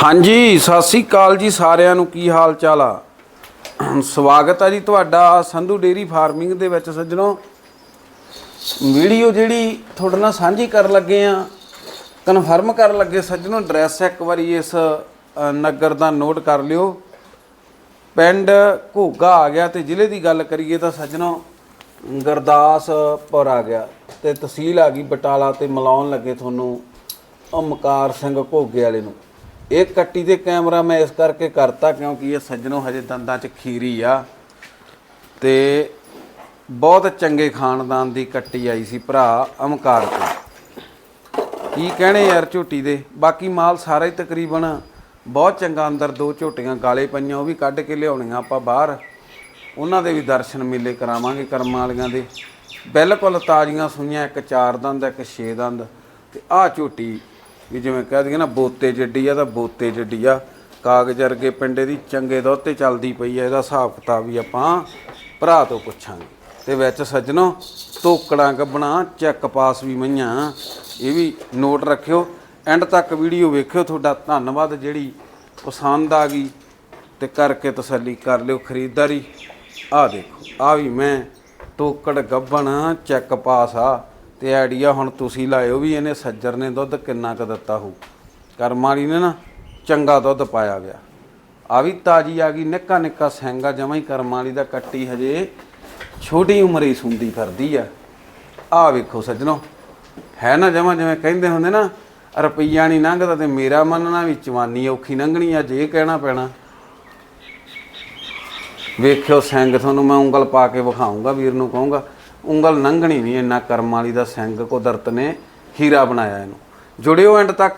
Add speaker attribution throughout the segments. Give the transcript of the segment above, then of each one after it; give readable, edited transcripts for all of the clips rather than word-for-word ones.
Speaker 1: ਹਾਂਜੀ ਸਤਿ ਸ੍ਰੀ ਅਕਾਲ ਜੀ ਸਾਰਿਆਂ ਨੂੰ। ਕੀ ਹਾਲ ਚਾਲ ਆ? ਸਵਾਗਤ ਆ ਜੀ ਤੁਹਾਡਾ ਸੰਧੂ ਡੇਅਰੀ ਫਾਰਮਿੰਗ ਦੇ ਵਿੱਚ। ਸੱਜਣੋ, ਵੀਡੀਓ ਜਿਹੜੀ ਤੁਹਾਡੇ ਨਾਲ ਸਾਂਝੀ ਕਰਨ ਲੱਗੇ ਆ, ਕਨਫਰਮ ਕਰਨ ਲੱਗੇ ਸੱਜਣੋ, ਐਡਰੈਸ ਇੱਕ ਵਾਰੀ ਇਸ ਨਗਰ ਦਾ ਨੋਟ ਕਰ ਲਿਓ। ਪਿੰਡ ਘੋਗਾ ਆ ਗਿਆ ਤੇ ਜ਼ਿਲ੍ਹੇ ਦੀ ਗੱਲ ਕਰੀਏ ਤਾਂ ਸੱਜਣੋ ਗੁਰਦਾਸਪੁਰ ਆ ਗਿਆ ਤੇ ਤਹਿਸੀਲ ਆ ਗਈ ਬਟਾਲਾ। ਤੇ ਮਿਲਾਉਣ ਲੱਗੇ ਤੁਹਾਨੂੰ ਓਮਕਾਰ ਸਿੰਘ ਘੋਗੇ ਵਾਲੇ ਨੂੰ। ਇਹ ਕੱਟੀ ਦੇ ਕੈਮਰਾ ਮੈਂ ਇਸ ਕਰਕੇ ਕਰਤਾ ਕਿਉਂਕਿ ਇਹ ਸੱਜਣੋਂ ਹਜੇ ਦੰਦਾਂ 'ਚ ਖੀਰੀ ਆ ਤੇ ਬਹੁਤ ਚੰਗੇ ਖਾਨਦਾਨ ਦੀ ਕੱਟੀ ਆਈ ਸੀ ਭਰਾ ਓਮਕਾਰ ਤੋਂ। ਕੀ ਕਹਿਣੇ ਯਾਰ ਝੋਟੀ ਦੇ। ਬਾਕੀ ਮਾਲ ਸਾਰਾ ਹੀ ਤਕਰੀਬਨ ਬਹੁਤ ਚੰਗਾ। ਅੰਦਰ ਦੋ ਝੋਟੀਆਂ ਗਾਲੇ ਪਈਆਂ, ਉਹ ਵੀ ਕੱਢ ਕੇ ਲਿਆਉਣੀਆਂ ਆਪਾਂ ਬਾਹਰ, ਉਹਨਾਂ ਦੇ ਵੀ ਦਰਸ਼ਨ ਮੇਲੇ ਕਰਾਵਾਂਗੇ ਕਰਮਾਂ ਵਾਲੀਆਂ ਦੇ। ਬਿਲਕੁਲ ਤਾਜ਼ੀਆਂ ਸੂਈਆਂ, ਇੱਕ 4 ਦੰਦ ਇੱਕ 6 ਦੰਦ। ਤੇ ਆਹ ਝੋਟੀ ਵੀ ਜਿਵੇਂ ਕਹਿ ਦਈਏ ਨਾ ਬੋਤੇ ਜੱਡੀ ਆ ਤਾਂ ਬੋਤੇ ਜੱਡੀ ਆ। ਕਾਗਜ਼ ਵਰਗੇ ਪਿੰਡੇ ਦੀ ਚੰਗੇ ਦੁੱਧ 'ਤੇ ਚੱਲਦੀ ਪਈ ਆ। ਇਹਦਾ ਹਿਸਾਬ ਕਿਤਾਬ ਵੀ ਆਪਾਂ ਭਰਾ ਤੋਂ ਪੁੱਛਾਂਗੇ। ਤੇ ਵਿੱਚ ਸੱਜਣੋ ਧੋਕੜਾਂ ਗੱਬਣਾ ਚੈੱਕ ਪਾਸ ਵੀ ਮਈਆਂ, ਇਹ ਵੀ ਨੋਟ ਰੱਖਿਓ। ਐਂਡ ਤੱਕ ਵੀਡੀਓ ਵੇਖਿਓ। ਤੁਹਾਡਾ ਧੰਨਵਾਦ। ਜਿਹੜੀ ਪਸੰਦ ਆ ਗਈ ਤੇ ਕਰਕੇ ਤਸੱਲੀ ਕਰ ਲਿਓ ਖਰੀਦਦਾਰੀ। ਆਹ ਦੇਖੋ, ਆਹ ਵੀ ਮੈਂ ਟੋਕੜ ਗੱਬਣ ਚੈੱਕ ਪਾਸ ਆ। ਤੇ ਆਈਡੀਆ ਹੁਣ ਤੁਸੀਂ ਲਾਇਓ ਵੀ ਇਹਨੇ ਸੱਜਰ ਨੇ ਦੁੱਧ ਕਿੰਨਾ ਕੁ ਦਿੱਤਾ ਹੋਊ। ਕਰਮ ਵਾਲੀ ਨੇ ਨਾ ਚੰਗਾ ਦੁੱਧ ਪਾਇਆ ਗਿਆ। ਆ ਵੀ ਤਾਜ਼ੀ ਆ ਗਈ, ਨਿੱਕਾ ਨਿੱਕਾ ਸਿੰਗਾ ਜਮਾਂ ਹੀ ਕਰਮ ਵਾਲੀ ਦਾ। ਕੱਟੀ ਹਜੇ ਛੋਟੀ ਉਮਰੇ ਹੀ ਸੁੰਦੀ ਫਿਰਦੀ ਆ। ਆਹ ਵੇਖੋ ਸੱਜਣੋ, ਹੈ ਨਾ ਜਮਾਂ ਜਿਵੇਂ ਕਹਿੰਦੇ ਹੁੰਦੇ ਨਾ ਰੁਪਈਆ ਨਹੀਂ ਲੰਘਦਾ ਤੇ ਮੇਰਾ ਮੰਨਣਾ ਵੀ ਚਵਾਨੀ ਔਖੀ ਲੰਘਣੀ। ਅੱਜ ਇਹ ਕਹਿਣਾ ਪੈਣਾ। ਵੇਖਿਓ ਸਿੰਘ, ਤੁਹਾਨੂੰ ਮੈਂ ਉਂਗਲ ਪਾ ਕੇ ਵਿਖਾਊਂਗਾ, ਵੀਰ ਨੂੰ ਕਹੂੰਗਾ ਉਂਗਲ ਲੰਘਣੀ ਨਹੀਂ। ਇੰਨਾ ਕਰਮ ਵਾਲੀ ਦਾ ਸਿੰਘ ਕੁਦਰਤ ਨੇ ਹੀਰਾ ਬਣਾਇਆ ਇਹਨੂੰ। ਜੁੜਿਓ ਐਂਡ ਤੱਕ,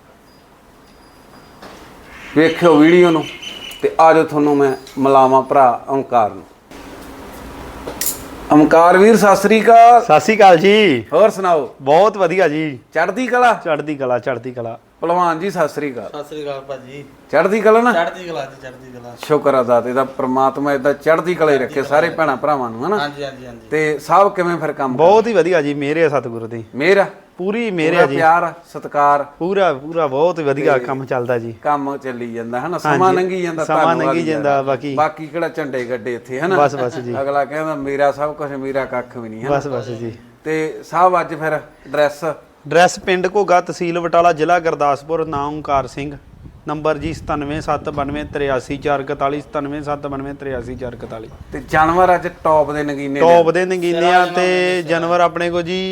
Speaker 1: ਵੇਖਿਓ ਵੀਡੀਓ ਨੂੰ ਤੇ ਆ ਜਾਓ ਤੁਹਾਨੂੰ ਮੈਂ ਮਿਲਾਵਾਂ ਭਰਾ ਓਮਕਾਰ ਨੂੰ। ਓਮਕਾਰ ਵੀਰ ਸਤਿ ਸ੍ਰੀ ਅਕਾਲ।
Speaker 2: ਸਤਿ ਸ੍ਰੀ ਅਕਾਲ ਜੀ।
Speaker 1: ਹੋਰ ਸੁਣਾਓ?
Speaker 2: ਬਹੁਤ ਵਧੀਆ ਜੀ।
Speaker 1: ਚੜ੍ਹਦੀ ਕਲਾ।
Speaker 2: ਚੜ੍ਹਦੀ ਕਲਾ, ਚੜ੍ਹਦੀ ਕਲਾ।
Speaker 1: ਭਲਵਾਨ ਜੀ ਸਤਿ ਸ੍ਰੀ ਅਕਾਲ।
Speaker 3: ਸਤਿ ਸ੍ਰੀ ਅਕਾਲ ਭਾਜੀ।
Speaker 1: ਚੜ੍ਹਦੀ ਕਲਾ ਨਾ?
Speaker 3: ਚੜ੍ਹਦੀ ਕਲਾ ਜੀ, ਚੜ੍ਹਦੀ ਕਲਾ।
Speaker 1: ਸ਼ੁਕਰ ਅਦਾ ਤੇ ਦਾ ਪ੍ਰਮਾਤਮਾ ਇਦਾਂ ਚੜ੍ਹਦੀ ਕਲਾ ਹੀ ਰੱਖੇ ਸਾਰੇ ਭੈਣਾਂ ਭਰਾਵਾਂ ਨੂੰ, ਹਨਾ?
Speaker 3: ਹਾਂਜੀ ਹਾਂਜੀ ਹਾਂਜੀ।
Speaker 1: ਤੇ ਸਭ ਕਿਵੇਂ ਫਿਰ ਕੰਮ?
Speaker 2: ਬਹੁਤ ਹੀ ਵਧੀਆ ਜੀ। ਮੇਰੇ ਸਤਿਗੁਰੂ ਦੀ
Speaker 1: ਮੇਰਾ
Speaker 2: ਪੂਰੀ ਮੇਰੇ ਜੀ।
Speaker 1: ਪਿਆਰ ਸਤਿਕਾਰ
Speaker 2: ਪੂਰਾ ਪੂਰਾ ਬਹੁਤ ਵਧੀਆ ਕੰਮ ਚੱਲਦਾ ਜੀ।
Speaker 1: ਕੰਮ ਚੱਲੀ ਜਾਂਦਾ ਹਨਾ, ਸਮਾਂ ਲੰਘੀ ਜਾਂਦਾ,
Speaker 2: ਸਮਾਂ ਲੰਘੀ ਜਾਂਦਾ।
Speaker 1: ਬਾਕੀ ਕਿਹੜਾ ਝੰਡੇ ਗੱਡੇ ਇੱਥੇ ਹਨਾ।
Speaker 2: ਬਸ ਬਸ ਜੀ।
Speaker 1: ਅਗਲਾ ਕਹਿੰਦਾ ਮੇਰਾ ਸਭ ਕੁਝ, ਮੇਰਾ ਕੱਖ ਵੀ ਨਹੀਂ ਹਨਾ।
Speaker 2: ਬਸ ਬਸ ਜੀ।
Speaker 1: ਤੇ ਸਭ ਅੱਜ ਫਿਰ
Speaker 2: ਡਰੈਸ ਪਿੰਡ ਘੋਗਾ, ਤਹਿਸੀਲ ਬਟਾਲਾ, ਜ਼ਿਲ੍ਹਾ ਗੁਰਦਾਸਪੁਰ। ਨਾਮ ਓਮਕਾਰ ਸਿੰਘ। ਨੰਬਰ ਜੀ 9779283441, 9779283441।
Speaker 1: ਤੇ ਜਾਨਵਰ ਅੱਜ ਟੌਪ ਦੇ ਨਗੀਨੇ
Speaker 2: ਨਗੀਨੇ ਆ। ਤੇ ਜਾਨਵਰ ਆਪਣੇ ਕੋ ਜੀ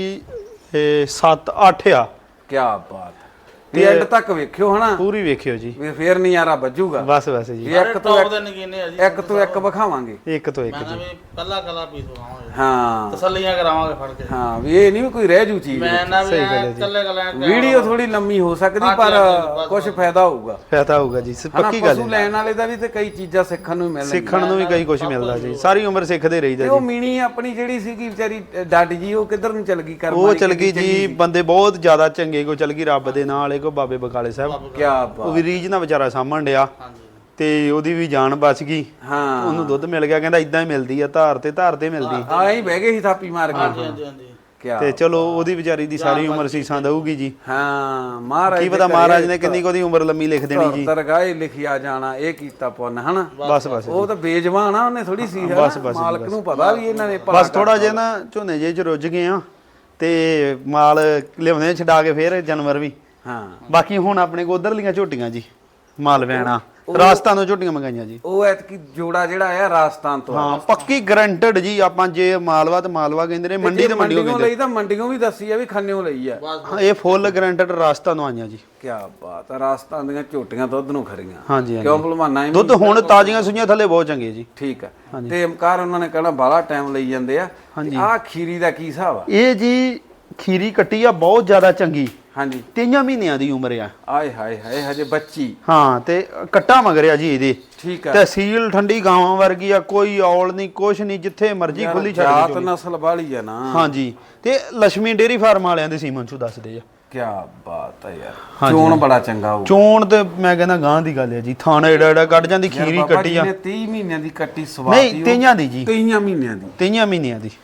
Speaker 2: 7-8 ਆ।
Speaker 1: ਕੀ ਬਾਤ। ਤੇ ਐਂਡ ਤੱਕ ਵੇਖਿਓ ਹਨਾ,
Speaker 2: ਪੂਰੀ ਵੇਖਿਓ ਜੀ।
Speaker 1: ਵੀ ਫੇਰ ਨਜ਼ਾਰਾ ਵੱਜੂਗਾ।
Speaker 2: ਬਸ ਬਸ ਜੀ।
Speaker 1: ਇੱਕ ਤੋਂ ਇੱਕ ਵਿਖਾਵਾਂਗੇ।
Speaker 2: ਇੱਕ ਤੋਂ ਇੱਕ
Speaker 3: ਮੈਂ
Speaker 2: ਜੀ।
Speaker 3: ਵੀ ਕੱਲਾ ਕੱਲਾ ਪੀਸ ਲਵਾਂਗੇ।
Speaker 1: ਹਾਂ,
Speaker 3: ਤਸੱਲੀਆਂ ਕਰਾਵਾਂਗੇ ਫੜ ਕੇ।
Speaker 1: ਹਾਂ ਵੀ ਇਹ ਨਹੀਂ ਵੀ ਕੋਈ ਰਹਿ ਜੂ ਚੀਜ਼।
Speaker 3: ਮੈਂ ਨਾ ਵੀ ਕੱਲੇ ਕੱਲੇ
Speaker 1: ਵੀਡੀਓ ਥੋੜੀ ਲੰਮੀ ਹੋ ਸਕਦੀ ਪਰ ਕੁਝ ਫਾਇਦਾ ਹੋਊਗਾ।
Speaker 2: ਫਾਇਦਾ ਹੋਊਗਾ ਜੀ, ਪੱਕੀ ਗੱਲ ਹੈ।
Speaker 1: ਪਸ਼ੂ ਲੈਣ ਵਾਲੇ ਦਾ ਵੀ ਤੇ ਕਈ ਚੀਜ਼ਾਂ ਸਿੱਖਣ ਨੂੰ ਮਿਲਣਗੀਆਂ।
Speaker 2: ਸਿੱਖਣ ਨੂੰ ਵੀ ਕਈ ਕੁਝ ਮਿਲਦਾ ਜੀ। ਸਾਰੀ ਉਮਰ ਸਿੱਖਦੇ ਰਹੀਦਾ
Speaker 1: ਤੇ
Speaker 2: ਜੀ।
Speaker 1: ਉਹ ਮੀਣੀ ਆਪਣੀ ਜਿਹੜੀ ਸੀਗੀ ਵਿਚਾਰੀ ਡੱਡ ਜੀ, ਉਹ ਕਿੱਧਰ ਨੂੰ ਚਲ ਗਈ? ਕਰਮ
Speaker 2: ਉਹ ਚਲ ਗਈ ਜੀ। ਬੰਦੇ ਬਹੁਤ ਜ਼ਿਆਦਾ ਚੰਗੇ ਕੋ ਚਲ ਗਈ ਰੱਬ ਦੇ ਨਾਲ। ਇਹ ਕੋ ਬਾਬੇ ਬਕਾਲੇ ਸਾਹਿਬ।
Speaker 1: ਕੀ ਬਾਤ।
Speaker 2: ਉਹ ਵੀ ਰੀਝ ਨਾਲ ਵਿਚਾਰਾ ਸਾਂਭਣ ਡਿਆ ਤੇ ਉਹਦੀ ਵੀ ਜਾਨ ਬਚ ਗਈ।
Speaker 1: ਹਾਂ,
Speaker 2: ਉਹਨੂੰ ਦੁੱਧ ਮਿਲ ਗਿਆ। ਕਹਿੰਦਾ ਇਦਾਂ ਹੀ ਮਿਲਦੀ ਆ, ਧਾਰ ਤੇ ਮਿਲਦੀ।
Speaker 1: ਹਾਂ ਹੀ ਬਹਿ ਗਏ ਸੀ ਥਾਪੀ ਮਾਰ ਕੇ।
Speaker 3: ਹਾਂਜੀ ਹਾਂਜੀ ਹਾਂਜੀ।
Speaker 2: ਤੇ ਚਲੋ ਉਹਦੀ ਵਿਚਾਰੀ ਦੀ ਸਾਰੀ ਉਮਰ ਸੀਸਾਂ ਦਊਗੀ ਜੀ।
Speaker 1: ਹਾਂ, ਮਹਾਰਾਜ
Speaker 2: ਕੀ ਪਤਾ ਮਹਾਰਾਜ ਨੇ ਕਿੰਨੀ ਕੁ ਉਹਦੀ ਉਮਰ ਲੰਮੀ ਲਿਖ ਦੇਣੀ ਜੀ।
Speaker 1: ਦਰਗਾਹ ਲਿਖਿਆ ਜਾਣਾ, ਇਹ ਕੀਤਾ ਪੁੰਨ ਹਨਾ।
Speaker 2: ਬਸ ਬਸ
Speaker 1: ਉਹ ਤਾਂ ਬੇਜਵਾਨ ਆ, ਉਹਨੇ ਥੋੜੀ ਸੀ ਮਾਲਕ ਨੂੰ ਪਤਾ ਵੀ ਇਹਨਾਂ ਨੇ
Speaker 2: ਬਸ ਥੋੜਾ ਜਿਹਾ ਨਾ ਝੋਨੇ ਜੇ ਚ ਰੁੱਝ ਗਏ ਆ ਤੇ ਮਾਲ ਲਿਆਉਂਦੇ ਛਡਾ ਕੇ ਫੇਰ ਜਾਨਵਰ ਵੀ।
Speaker 1: ਹਾਂ,
Speaker 2: ਬਾਕੀ ਹੁਣ ਆਪਣੇ ਕੋ ਉਧਰਲੀਆਂ ਝੋਟੀਆਂ ਜੀ, ਮਾਲ ਵੈਣਾ ਰਾਜਸਥਾਨ ਤੋਂ ਝੋਟੀਆਂ ਮੰਗਾਈਆਂ ਜੀ।
Speaker 1: ਉਹ ਐਤਕੀ ਜੋੜਾ ਜਿਹੜਾ ਆਇਆ ਰਾਜਸਥਾਨ ਤੋਂ।
Speaker 2: ਹਾਂ, ਪੱਕੀ ਗਰੰਟਡ ਜੀ। ਆਪਾਂ ਜੇ ਮਾਲਵਾ ਤੇ ਮਾਲਵਾ ਕਹਿੰਦੇ ਨੇ, ਮੰਡੀ ਤੇ ਮੰਡੀੋਂ
Speaker 1: ਲਈ ਤਾਂ ਮੰਡੀੋਂ ਵੀ ਦੱਸੀ ਆ ਵੀ ਖੰਨਿਓ ਲਈ ਆ।
Speaker 2: ਹਾਂ, ਇਹ ਫੁੱਲ ਗਰੰਟਡ ਰਾਜਸਥਾਨ ਤੋਂ ਆਈਆਂ ਜੀ।
Speaker 1: ਕੀ ਬਾਤ ਆ। ਰਾਜਸਥਾਨ ਦੀਆਂ ਝੋਟੀਆਂ ਦੁੱਧ ਨੂੰ ਖਰੀਆਂ।
Speaker 2: ਹਾਂਜੀ
Speaker 1: ਕਿਉਂ ਭਲਵਾਨਾ?
Speaker 2: ਦੁੱਧ ਹੁਣ ਤਾਜ਼ੀਆਂ ਸੂਈਆਂ ਥੱਲੇ ਬਹੁਤ ਚੰਗੇ ਜੀ।
Speaker 1: ਠੀਕ ਆ। ਤੇ ਓਮਕਾਰ ਉਹਨਾਂ ਨੇ ਕਹਿਣਾ ਬਾਹਲਾ ਟਾਈਮ ਲਈ ਜਾਂਦੇ ਆ। ਆਹ ਖੀਰੀ ਦਾ ਕੀ ਹਿਸਾਬ ਆ?
Speaker 2: ਇਹ ਜੀ ਖੀਰੀ ਕੱਟੀ ਆ, ਬਹੁਤ ਜ਼ਿਆਦਾ ਚੰਗੀ।
Speaker 1: ਹਾਂਜੀ,
Speaker 2: 3 ਮਹੀਨਿਆਂ ਦੀ ਉਮਰ ਆ।
Speaker 1: ਆਏ ਹਾਏ ਹਾਏ, ਹਜੇ ਬੱਚੀ।
Speaker 2: ਹਾਂ, ਤੇ ਕੱਟਾ ਮਗਰਿਆ ਜੀ ਇਹਦੇ।
Speaker 1: ਠੀਕ ਆ।
Speaker 2: ਤਹਿਸੀਲ ਠੰਡੀ ਗਾਵਾਂ ਵਰਗੀ ਆ, ਕੋਈ ਔਲ ਨਹੀਂ, ਕੁਛ ਨਹੀਂ, ਜਿੱਥੇ ਮਰਜ਼ੀ ਖੁੱਲੀ ਛੱਡ
Speaker 1: ਜਾਤ ਨਸਲ ਵਾਲੀ ਆ ਨਾ।
Speaker 2: ਹਾਂਜੀ। ਤੇ ਲక్ష్ਮੀ ਡੇਅਰੀ ਫਾਰਮ ਵਾਲਿਆਂ ਦੇ ਸੀਮਨ ਚੋਂ ਦੱਸਦੇ ਆ।
Speaker 1: ਕੀ ਬਾਤ ਆ ਯਾਰ। ਚੋਣ ਬੜਾ ਚੰਗਾ ਹੋਊ।
Speaker 2: ਚੋਣ ਤੇ ਮੈਂ ਕਹਿੰਦਾ ਗਾਂ ਦੀ ਗੱਲ ਹੈ ਜੀ। ਥਾਣਾ ਏਡਾ ਕੱਢ ਜਾਂਦੀ ਖੀਰੀ ਕੱਟੀ ਆ।
Speaker 1: 30 ਮਹੀਨਿਆਂ ਦੀ ਕੱਟੀ ਸਵਾਤੀ।
Speaker 2: ਨਹੀਂ, 3 ਦੀ ਜੀ।
Speaker 1: 3 ਮਹੀਨਿਆਂ ਦੀ।
Speaker 2: 3 ਮਹੀਨਿਆਂ ਦੀ।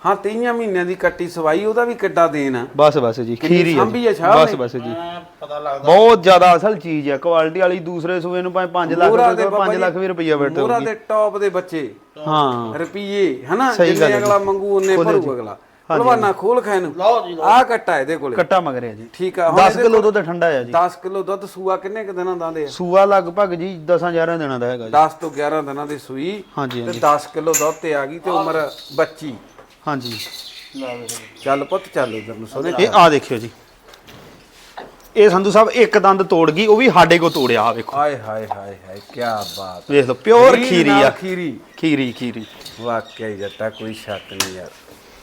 Speaker 1: ਹਾਂ 23 ਮਹੀਨਿਆਂ ਦੀ ਕੱਟੀ ਸਵਾਈ, ਉਹਦਾ ਵੀ ਕਿੱਡਾ ਦੇਣ ਆ।
Speaker 2: ਬਸ ਜੀ ਖੀਰੀ
Speaker 1: ਸਾਂਭੀ ਆ
Speaker 2: ਆ
Speaker 1: ਛਾਪ
Speaker 2: ਜੀ। ਬਸ ਜੀ
Speaker 3: ਪਤਾ ਲੱਗਦਾ
Speaker 2: ਬਹੁਤ ਜ਼ਿਆਦਾ ਅਸਲ ਚੀਜ਼ ਆ, ਕੁਆਲਿਟੀ ਵਾਲੀ। ਦੂਸਰੇ ਸੂਏ ਨੂੰ ਭਾਵੇਂ 5 ਲੱਖ ਦੇ 5 ਲੱਖ ਵੀ ਰੁਪਈਆ ਬੈਠੋ
Speaker 1: ਮੋਹਰਾ ਦੇ ਟੌਪ ਦੇ ਬੱਚੇ
Speaker 2: ਹਾਂ
Speaker 1: ਰੁਪਈਏ ਹਨਾ,
Speaker 2: ਸਹੀ ਗੱਲ
Speaker 1: ਜਿੰਨੇ
Speaker 2: ਹੈ
Speaker 1: ਅਗਲਾ ਮੰਗੂ ਉਹਨੇ ਭਰੂ ਅਗਲਾ। ਭਲਵਾਨਾ ਖੋਲ ਖਾਏ ਨੂੰ
Speaker 3: ਲਓ ਜੀ
Speaker 1: ਆਹ ਕੱਟਾ ਇਹਦੇ ਕੋਲੇ
Speaker 2: ਕੱਟਾ ਮਗਰ ਆ ਜੀ।
Speaker 1: ਠੀਕ ਆ।
Speaker 2: 10 ਕਿਲੋ ਦੁੱਧ ਠੰਡਾ ਆ ਜੀ।
Speaker 1: 10 ਕਿਲੋ ਦੁੱਧ ਸੂਆ ਕਿੰਨੇ ਕੁ ਦਿਨਾਂ ਦਾ ਦੇ ਆ?
Speaker 2: ਸੂਆ ਲਗਭਗ ਜੀ 10-11 ਦਿਨਾਂ ਦਾ ਹੈਗਾ ਜੀ।
Speaker 1: 10 ਤੋਂ 11 ਦਿਨਾਂ ਦੀ ਸੂਈ
Speaker 2: ਹਾਂਜੀ
Speaker 1: ਤੇ 10 ਕਿਲੋ ਦੁੱਧ ਤੇ ਆ ਗਈ ਤੇ ਉਮਰ ਬੱਚੀ।
Speaker 2: ਹਾਂਜੀ
Speaker 1: ਚੱਲ ਪੁੱਤ ਚੱਲ ਇਧਰ ਨੂੰ ਸੋਨੇ।
Speaker 2: ਇਹ ਆ ਦੇਖਿਓ ਜੀ, ਇਹ ਸੰਧੂ ਸਾਹਿਬ ਇੱਕ ਦੰਦ ਤੋੜ ਗਈ, ਉਹ ਵੀ ਸਾਡੇ ਕੋ ਤੋੜਿਆ। ਆ ਵੇਖੋ
Speaker 1: ਹਾਏ ਹਾਏ ਹਾਏ ਹਾਏ ਕੀ ਬਾਤ।
Speaker 2: ਵੇਖ ਲਓ ਪਿਓਰ
Speaker 1: ਖੀਰੀ
Speaker 2: ਖੀਰੀ
Speaker 1: ਨਾਲ
Speaker 2: ਆ।
Speaker 1: ਖੀਰੀ ਵਾਕਿਆ ਹੀ ਜੱਟਾ, ਕੋਈ ਸ਼ੱਕ ਨਹੀਂ ਯਾਰ।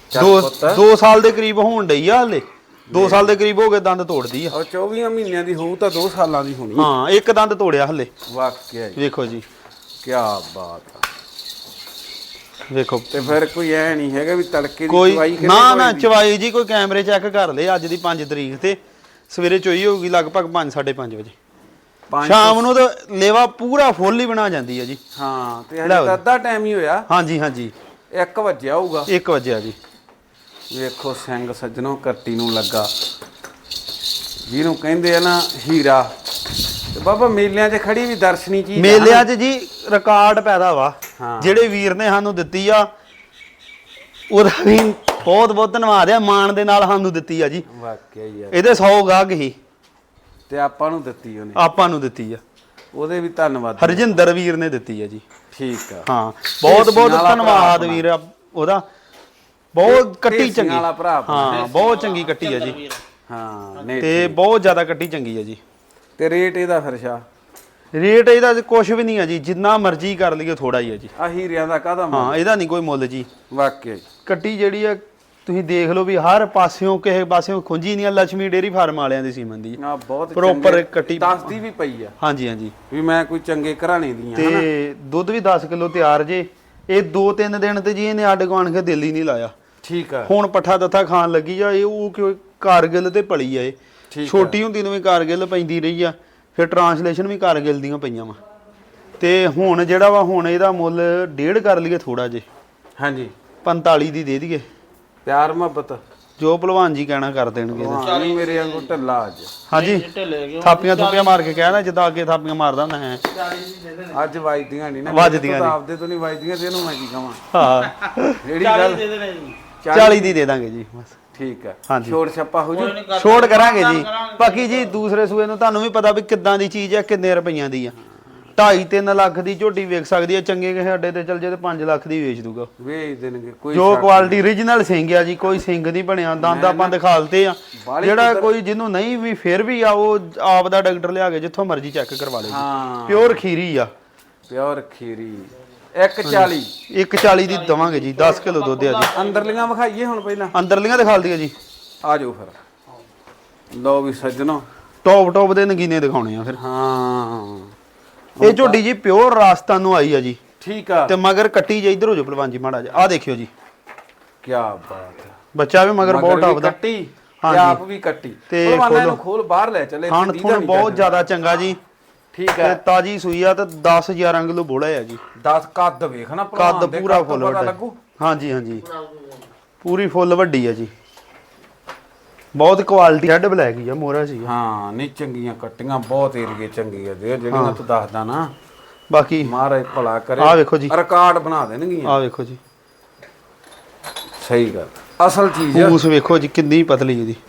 Speaker 2: 2 ਸਾਲ ਦੇ ਕਰੀਬ ਹੋਣ ਡਈ ਆ ਹਲੇ। 2 ਸਾਲ ਦੇ ਕਰੀਬ ਹੋ ਗਏ ਦੰਦ ਤੋੜਦੀ ਆ।
Speaker 1: ਉਹ 24 ਮਹੀਨਿਆਂ ਦੀ ਹੋਊ ਤਾਂ 2 ਸਾਲਾਂ ਦੀ ਹੋਣੀ।
Speaker 2: ਹਾਂ ਇੱਕ ਦੰਦ ਤੋੜਿਆ ਹਲੇ।
Speaker 1: ਵਾਕਿਆ ਹੀ
Speaker 2: ਵੇਖੋ ਜੀ
Speaker 1: ਕੀ ਬਾਤ ਆ।
Speaker 2: ਵੇਖੋ
Speaker 1: ਤੇ ਫਿਰ ਕੋਈ ਐ ਨਹੀਂ ਹੈਗਾ ਵੀ ਤੜਕੇ ਦੀ
Speaker 2: ਕੋਈ
Speaker 1: ਚਵਾਈ
Speaker 2: ਨਾ ਚਵਾਈ ਜੀ ਕੋਈ ਕੈਮਰੇ ਚੈੱਕ ਕਰ ਲਏ। ਅੱਜ ਦੀ 5 ਤਰੀਕ ਤੇ ਸਵੇਰੇ ਚੋਈ ਹੋਊਗੀ ਲਗਭਗ 5-5:30 ਵਜੇ। ਸ਼ਾਮ ਨੂੰ ਤਾਂ ਲੇਵਾ ਪੂਰਾ ਫੁੱਲ ਹੀ ਬਣਾ ਜਾਂਦੀ ਹੈ ਜੀ।
Speaker 1: ਹਾਂ ਤੇ ਹਜੇ ਤਾਂ ਅੱਧਾ ਟਾਈਮ ਹੀ ਹੋਇਆ।
Speaker 2: ਹਾਂਜੀ
Speaker 1: 1 ਵਜੇ ਆਊਗਾ।
Speaker 2: 1 ਵਜੇ ਜੀ।
Speaker 1: ਵੇਖੋ ਸਿੰਘ ਸੱਜਣੋ ਕੱਟੀ ਨੂੰ ਲੱਗਾ, ਜਿਹਨੂੰ ਕਹਿੰਦੇ ਆ ਨਾ ਹੀਰਾ। ਤੇ ਬਾਬਾ ਮੇਲਿਆਂ 'ਚ ਖੜੀ ਵੀ ਦਰਸ਼ਨੀ ਚੀਜ਼।
Speaker 2: ਮੇਲਿਆਂ 'ਚ ਜੀ ਰਿਕਾਰਡ ਪੈਦਾ ਵਾ।
Speaker 1: ਹਾਂ।
Speaker 2: ਜਿਹੜੇ ਵੀਰ ਨੇ ਸਾਨੂੰ ਦਿੱਤੀ ਆ ਉਹਦਾ ਵੀ ਬਹੁਤ ਧੰਨਵਾਦ ਆ। ਮਾਣ ਦੇ ਨਾਲ ਸਾਨੂੰ ਦਿੱਤੀ ਆ ਜੀ।
Speaker 1: ਵਾਕਿਆ ਹੀ ਆ।
Speaker 2: ਇਹਦੇ 100 ਗਾਹਕ ਹੀ
Speaker 1: ਤੇ ਆਪਾਂ ਨੂੰ ਦਿੱਤੀ ਉਹਨੇ।
Speaker 2: ਆਪਾਂ ਨੂੰ ਦਿੱਤੀ ਆ।
Speaker 1: ਉਹਦੇ ਵੀ ਧੰਨਵਾਦ।
Speaker 2: ਹਰਜਿੰਦਰ ਵੀਰ ਨੇ ਦਿੱਤੀ ਆ ਜੀ।
Speaker 1: ਠੀਕ ਆ।
Speaker 2: ਹਾਂ ਬਹੁਤ ਧੰਨਵਾਦ ਵੀਰ ਉਹਦਾ। ਬਹੁਤ ਕੱਟੀ ਚੰਗੀ
Speaker 1: ਵਾਲਾ ਭਰਾ।
Speaker 2: ਹਾਂ ਬਹੁਤ ਚੰਗੀ ਕੱਟੀ ਆ ਜੀ।
Speaker 1: ਹਾਂ ਨਹੀਂ
Speaker 2: ਤੇ ਬਹੁਤ ਜ਼ਿਆਦਾ ਕੱਟੀ ਚੰਗੀ ਆ ਜੀ।
Speaker 1: ਤੇ ਰੇਟ ਇਹਦਾ ਫਿਰ ਸ਼ਾ?
Speaker 2: ਰੇਟ ਇਹਦਾ ਕੁਝ ਵੀ ਨਹੀਂ ਆ ਜੀ, ਜਿੰਨਾ ਮਰਜ਼ੀ ਕਰ ਲਈਏ ਥੋੜਾ ਹੀ ਆ ਜੀ।
Speaker 1: ਆ ਹੀਰਿਆਂ ਦਾ ਕਾਹਦਾ ਮੁੱਲ?
Speaker 2: ਹਾਂ ਇਹਦਾ ਨਹੀਂ ਕੋਈ ਮੁੱਲ ਜੀ।
Speaker 1: ਵਾਕਿਆ ਹੀ
Speaker 2: ਕੱਟੀ ਜਿਹੜੀ ਆ ਤੁਸੀਂ ਦੇਖ ਲਓ ਵੀ ਹਰ ਪਾਸਿਓਂ ਕਿਸੇ ਪਾਸਿਓਂ ਖੁੰਝੀ ਨਹੀਂ ਆ। ਲక్ష్ਮੀ ਡੇਰੀ ਫਾਰਮ ਵਾਲਿਆਂ ਦੀ ਸੀਮਨ ਦੀ
Speaker 1: ਆ ਬਹੁਤ
Speaker 2: ਪ੍ਰੋਪਰ ਕੱਟੀ
Speaker 1: ਦੱਸਦੀ ਵੀ ਪਈ ਆ।
Speaker 2: ਹਾਂਜੀ
Speaker 1: ਵੀ ਮੈਂ ਕੋਈ ਚੰਗੇ ਘਰਾਣੇ ਦੀਆਂ ਹਨਾ।
Speaker 2: ਤੇ ਦੁੱਧ ਵੀ 10 ਕਿਲੋ ਤਿਆਰ ਜੇ। ਇਹ 2-3 ਦਿਨ ਤੇ ਜੀ ਇਹਨੇ ਅੱਡ ਗਵਾਣ ਕੇ ਦਿਲ ਹੀ ਨਹੀਂ ਲਾਇਆ।
Speaker 1: ਠੀਕ ਆ।
Speaker 2: ਹੁਣ ਪੱਠਾ ਦੱਥਾ ਖਾਣ ਲੱਗੀ ਆ। ਇਹ ਉਹ ਕਿਉਂ ਕਾਰਗਿਲ ਤੇ ਭਲੀ ਆ। ਇਹ ਛੋਟੀ ਹੁੰਦੀ ਨੂੰ ਵੀ ਕਾਰਗਿਲ ਪੈਂਦੀ ਰਹੀ ਆ, ਫਿਰ ਟਰਾਂਸਲੇਸ਼ਨ ਵੀ ਕਾਰਗਿਲ ਦੀਆਂ ਪਈਆਂ ਵਾ। ਤੇ ਹੁਣ ਜਿਹੜਾ ਵਾ ਹੁਣ ਇਹਦਾ ਮੁੱਲ 1.5 ਕਰ ਲਈਏ ਥੋੜਾ ਜੇ।
Speaker 1: ਹਾਂਜੀ
Speaker 2: 45 ਦੀ ਦੇ ਦਈਏ।
Speaker 1: ਪਿਆਰ ਮੁਹੱਬਤ
Speaker 2: ਜੋ ਭਲਵਾਨ ਜੀ ਕਹਿਣਾ ਕਰ ਦੇਣਗੇ।
Speaker 1: ਨਹੀਂ ਮੇਰੇ ਵਾਂਗੂ ਢੱਲਾ ਅੱਜ।
Speaker 2: ਹਾਂਜੀ ਥਾਪੀਆਂ ਥੁਪੀਆਂ ਮਾਰ ਕੇ ਕਹਿਣਾ ਜਿੱਦਾਂ ਅੱਗੇ ਥਾਪੀਆਂ ਮਾਰਦਾ ਹੁੰਦਾ ਹੈ।
Speaker 1: ਅੱਜ ਵੱਜਦੀਆਂ ਨਹੀਂ ਨਾ।
Speaker 2: ਵੱਜਦੀਆਂ
Speaker 1: ਤਾਂ ਆਪਦੇ ਤੋਂ ਨਹੀਂ ਵੱਜਦੀਆਂ ਤੇ ਇਹਨੂੰ ਮੈਂ ਕੀ ਕਹਾਂ।
Speaker 2: ਹਾਂ
Speaker 1: ਜਿਹੜੀ ਗੱਲ
Speaker 2: 40 ਦੀ ਦੇ ਦਾਂਗੇ ਜੀ ਬਸ।
Speaker 1: ਠੀਕ ਆ।
Speaker 2: ਹਾਂਜੀ
Speaker 1: ਛੋੜ ਛੱਪਾ ਹੋ ਜੂ।
Speaker 2: ਛੋੜ ਕਰਾਂਗੇ ਜੀ। ਬਾਕੀ ਜੀ ਦੂਸਰੇ ਸੂਏ ਨੂੰ ਤੁਹਾਨੂੰ ਵੀ ਪਤਾ ਵੀ ਕਿੱਦਾਂ ਦੀ ਚੀਜ਼ ਆ, ਕਿੰਨੇ ਰੁਪਈਆਂ ਦੀ ਆ। 2.5-3 ਲੱਖ ਦੀ ਝੋਟੀ ਵੇਚ ਸਕਦੀ ਆ। ਚੰਗੇ ਕਿਸੇ ਅੱਡੇ ਤੇ ਚੱਲ ਜੇ ਤੇ 5 ਲੱਖ ਦੀ ਵੇਚ ਦੂਗਾ।
Speaker 1: ਵੇਚ ਦੇਣਗੇ ਕੋਈ
Speaker 2: ਜੋ ਕੁਆਲਿਟੀ ਓਰੀਜਨਲ ਸਿੰਘ ਆ ਜੀ। ਕੋਈ ਸਿੰਘ ਨਹੀਂ ਬਣਿਆ। ਦੰਦ ਆਪਾਂ ਦਿਖਾਲਤੇ ਆ। ਜਿਹੜਾ ਕੋਈ ਜਿਹਨੂੰ ਨਹੀਂ ਵੀ ਫਿਰ ਵੀ ਆ ਉਹ ਆਪ ਦਾ ਡਾਕਟਰ ਲਿਆ ਕੇ ਜਿੱਥੋਂ ਮਰਜ਼ੀ ਚੈੱਕ ਕਰਵਾ ਲੇ।
Speaker 1: ਹਾਂ
Speaker 2: ਪਿਓਰ ਖੀਰੀ ਆ।
Speaker 1: ਪਿਓਰ ਖੀਰੀ 140
Speaker 2: 140 ਦੀ ਦਵਾਂਗੇ ਜੀ। 10 ਕਿਲੋ ਦੁੱਧ ਆ ਜੀ।
Speaker 1: ਅੰਦਰਲੀਆਂ ਵਿਖਾਈਏ ਹੁਣ ਪਹਿਲਾਂ।
Speaker 2: ਅੰਦਰਲੀਆਂ ਦਿਖਾਲ ਦਈਏ ਜੀ।
Speaker 1: ਆ ਜਾਓ ਫਿਰ। ਲਓ ਵੀ ਸੱਜਣੋ
Speaker 2: ਟੌਪ ਦੇ ਨਗੀਨੇ ਦਿਖਾਉਣੇ ਆ ਫਿਰ।
Speaker 1: ਹਾਂ
Speaker 2: ਇਹ ਝੋਟੀ ਜੀ ਪਿਓਰ ਰਾਜਸਥਾਨ ਨੂੰ ਆਈ ਆ ਜੀ।
Speaker 1: ਠੀਕ ਆ।
Speaker 2: ਤੇ ਮਗਰ ਕੱਟੀ ਜੇ ਇਧਰ ਹੋ ਜਾ ਭਲਵਾਨ ਜੀ ਮਾੜਾ ਜਿਹਾ। ਆ ਦੇਖਿਓ ਜੀ
Speaker 1: ਕੀ ਬਾਤ ਹੈ।
Speaker 2: ਬੱਚਾ ਵੀ ਮਗਰ ਬਹੁਤ ਟੌਪ ਦਾ।
Speaker 1: ਕੱਟੀ ਤੇ ਆਪ ਵੀ ਕੱਟੀ।
Speaker 2: ਤੇ
Speaker 1: ਭਲਵਾਨਾਂ ਨੂੰ ਖੋਲ ਬਾਹਰ ਲੈ ਚਲੇ।
Speaker 2: ਖਾਣ ਥੁਣ ਬਹੁਤ ਜ਼ਿਆਦਾ ਚੰਗਾ ਜੀ।
Speaker 1: ਠੀਕ
Speaker 2: ਤੇ
Speaker 1: ਹੈ।
Speaker 2: ਤਾਜੀ ਸੂਈ ਆ ਤੇ 10-11 ਕਿਲੋ ਬੋਲਾ ਆ ਜੀ।
Speaker 1: 10 ਕੱਦ ਵੇਖ ਨਾ
Speaker 2: ਕੱਦ ਪੂਰਾ ਫੁੱਲ ਵੱਡਾ।
Speaker 1: ਲੱਗੂ।
Speaker 2: ਹਾਂਜੀ ਪੂਰੀ ਫੁੱਲ ਵੱਡੀ ਆ ਜੀ। ਬਹੁਤ ਕੁਆਲਿਟੀ ਰੈੱਡ ਬਲੈਕ ਹੀ ਆ। ਮੋਹਰਾ ਸੀ।
Speaker 1: ਹਾਂ ਨਹੀਂ ਚੰਗੀਆਂ ਕੱਟੀਆਂ ਬਹੁਤ ਏਰੀਏ ਚੰਗੀ ਆ ਦੇ ਜਿਹੜੀਆਂ ਤੂੰ ਦੱਸਦਾ ਨਾ।
Speaker 2: ਬਾਕੀ
Speaker 1: ਮਹਾਰਾਜ ਭਲਾ ਕਰੇ।
Speaker 2: ਆ ਵੇਖੋ ਜੀ
Speaker 1: ਰਿਕਾਰਡ ਬਣਾ ਦੇਣਗੀਆਂ।
Speaker 2: ਆ ਵੇਖੋ ਜੀ
Speaker 1: ਸਹੀ ਗੱਲ ਅਸਲ ਚੀਜ਼ ਆ।
Speaker 2: ਪੂਛ ਵੇਖੋ ਜੀ ਕਿੰਨੀ ਪਤਲੀ ਇਹਦੀ।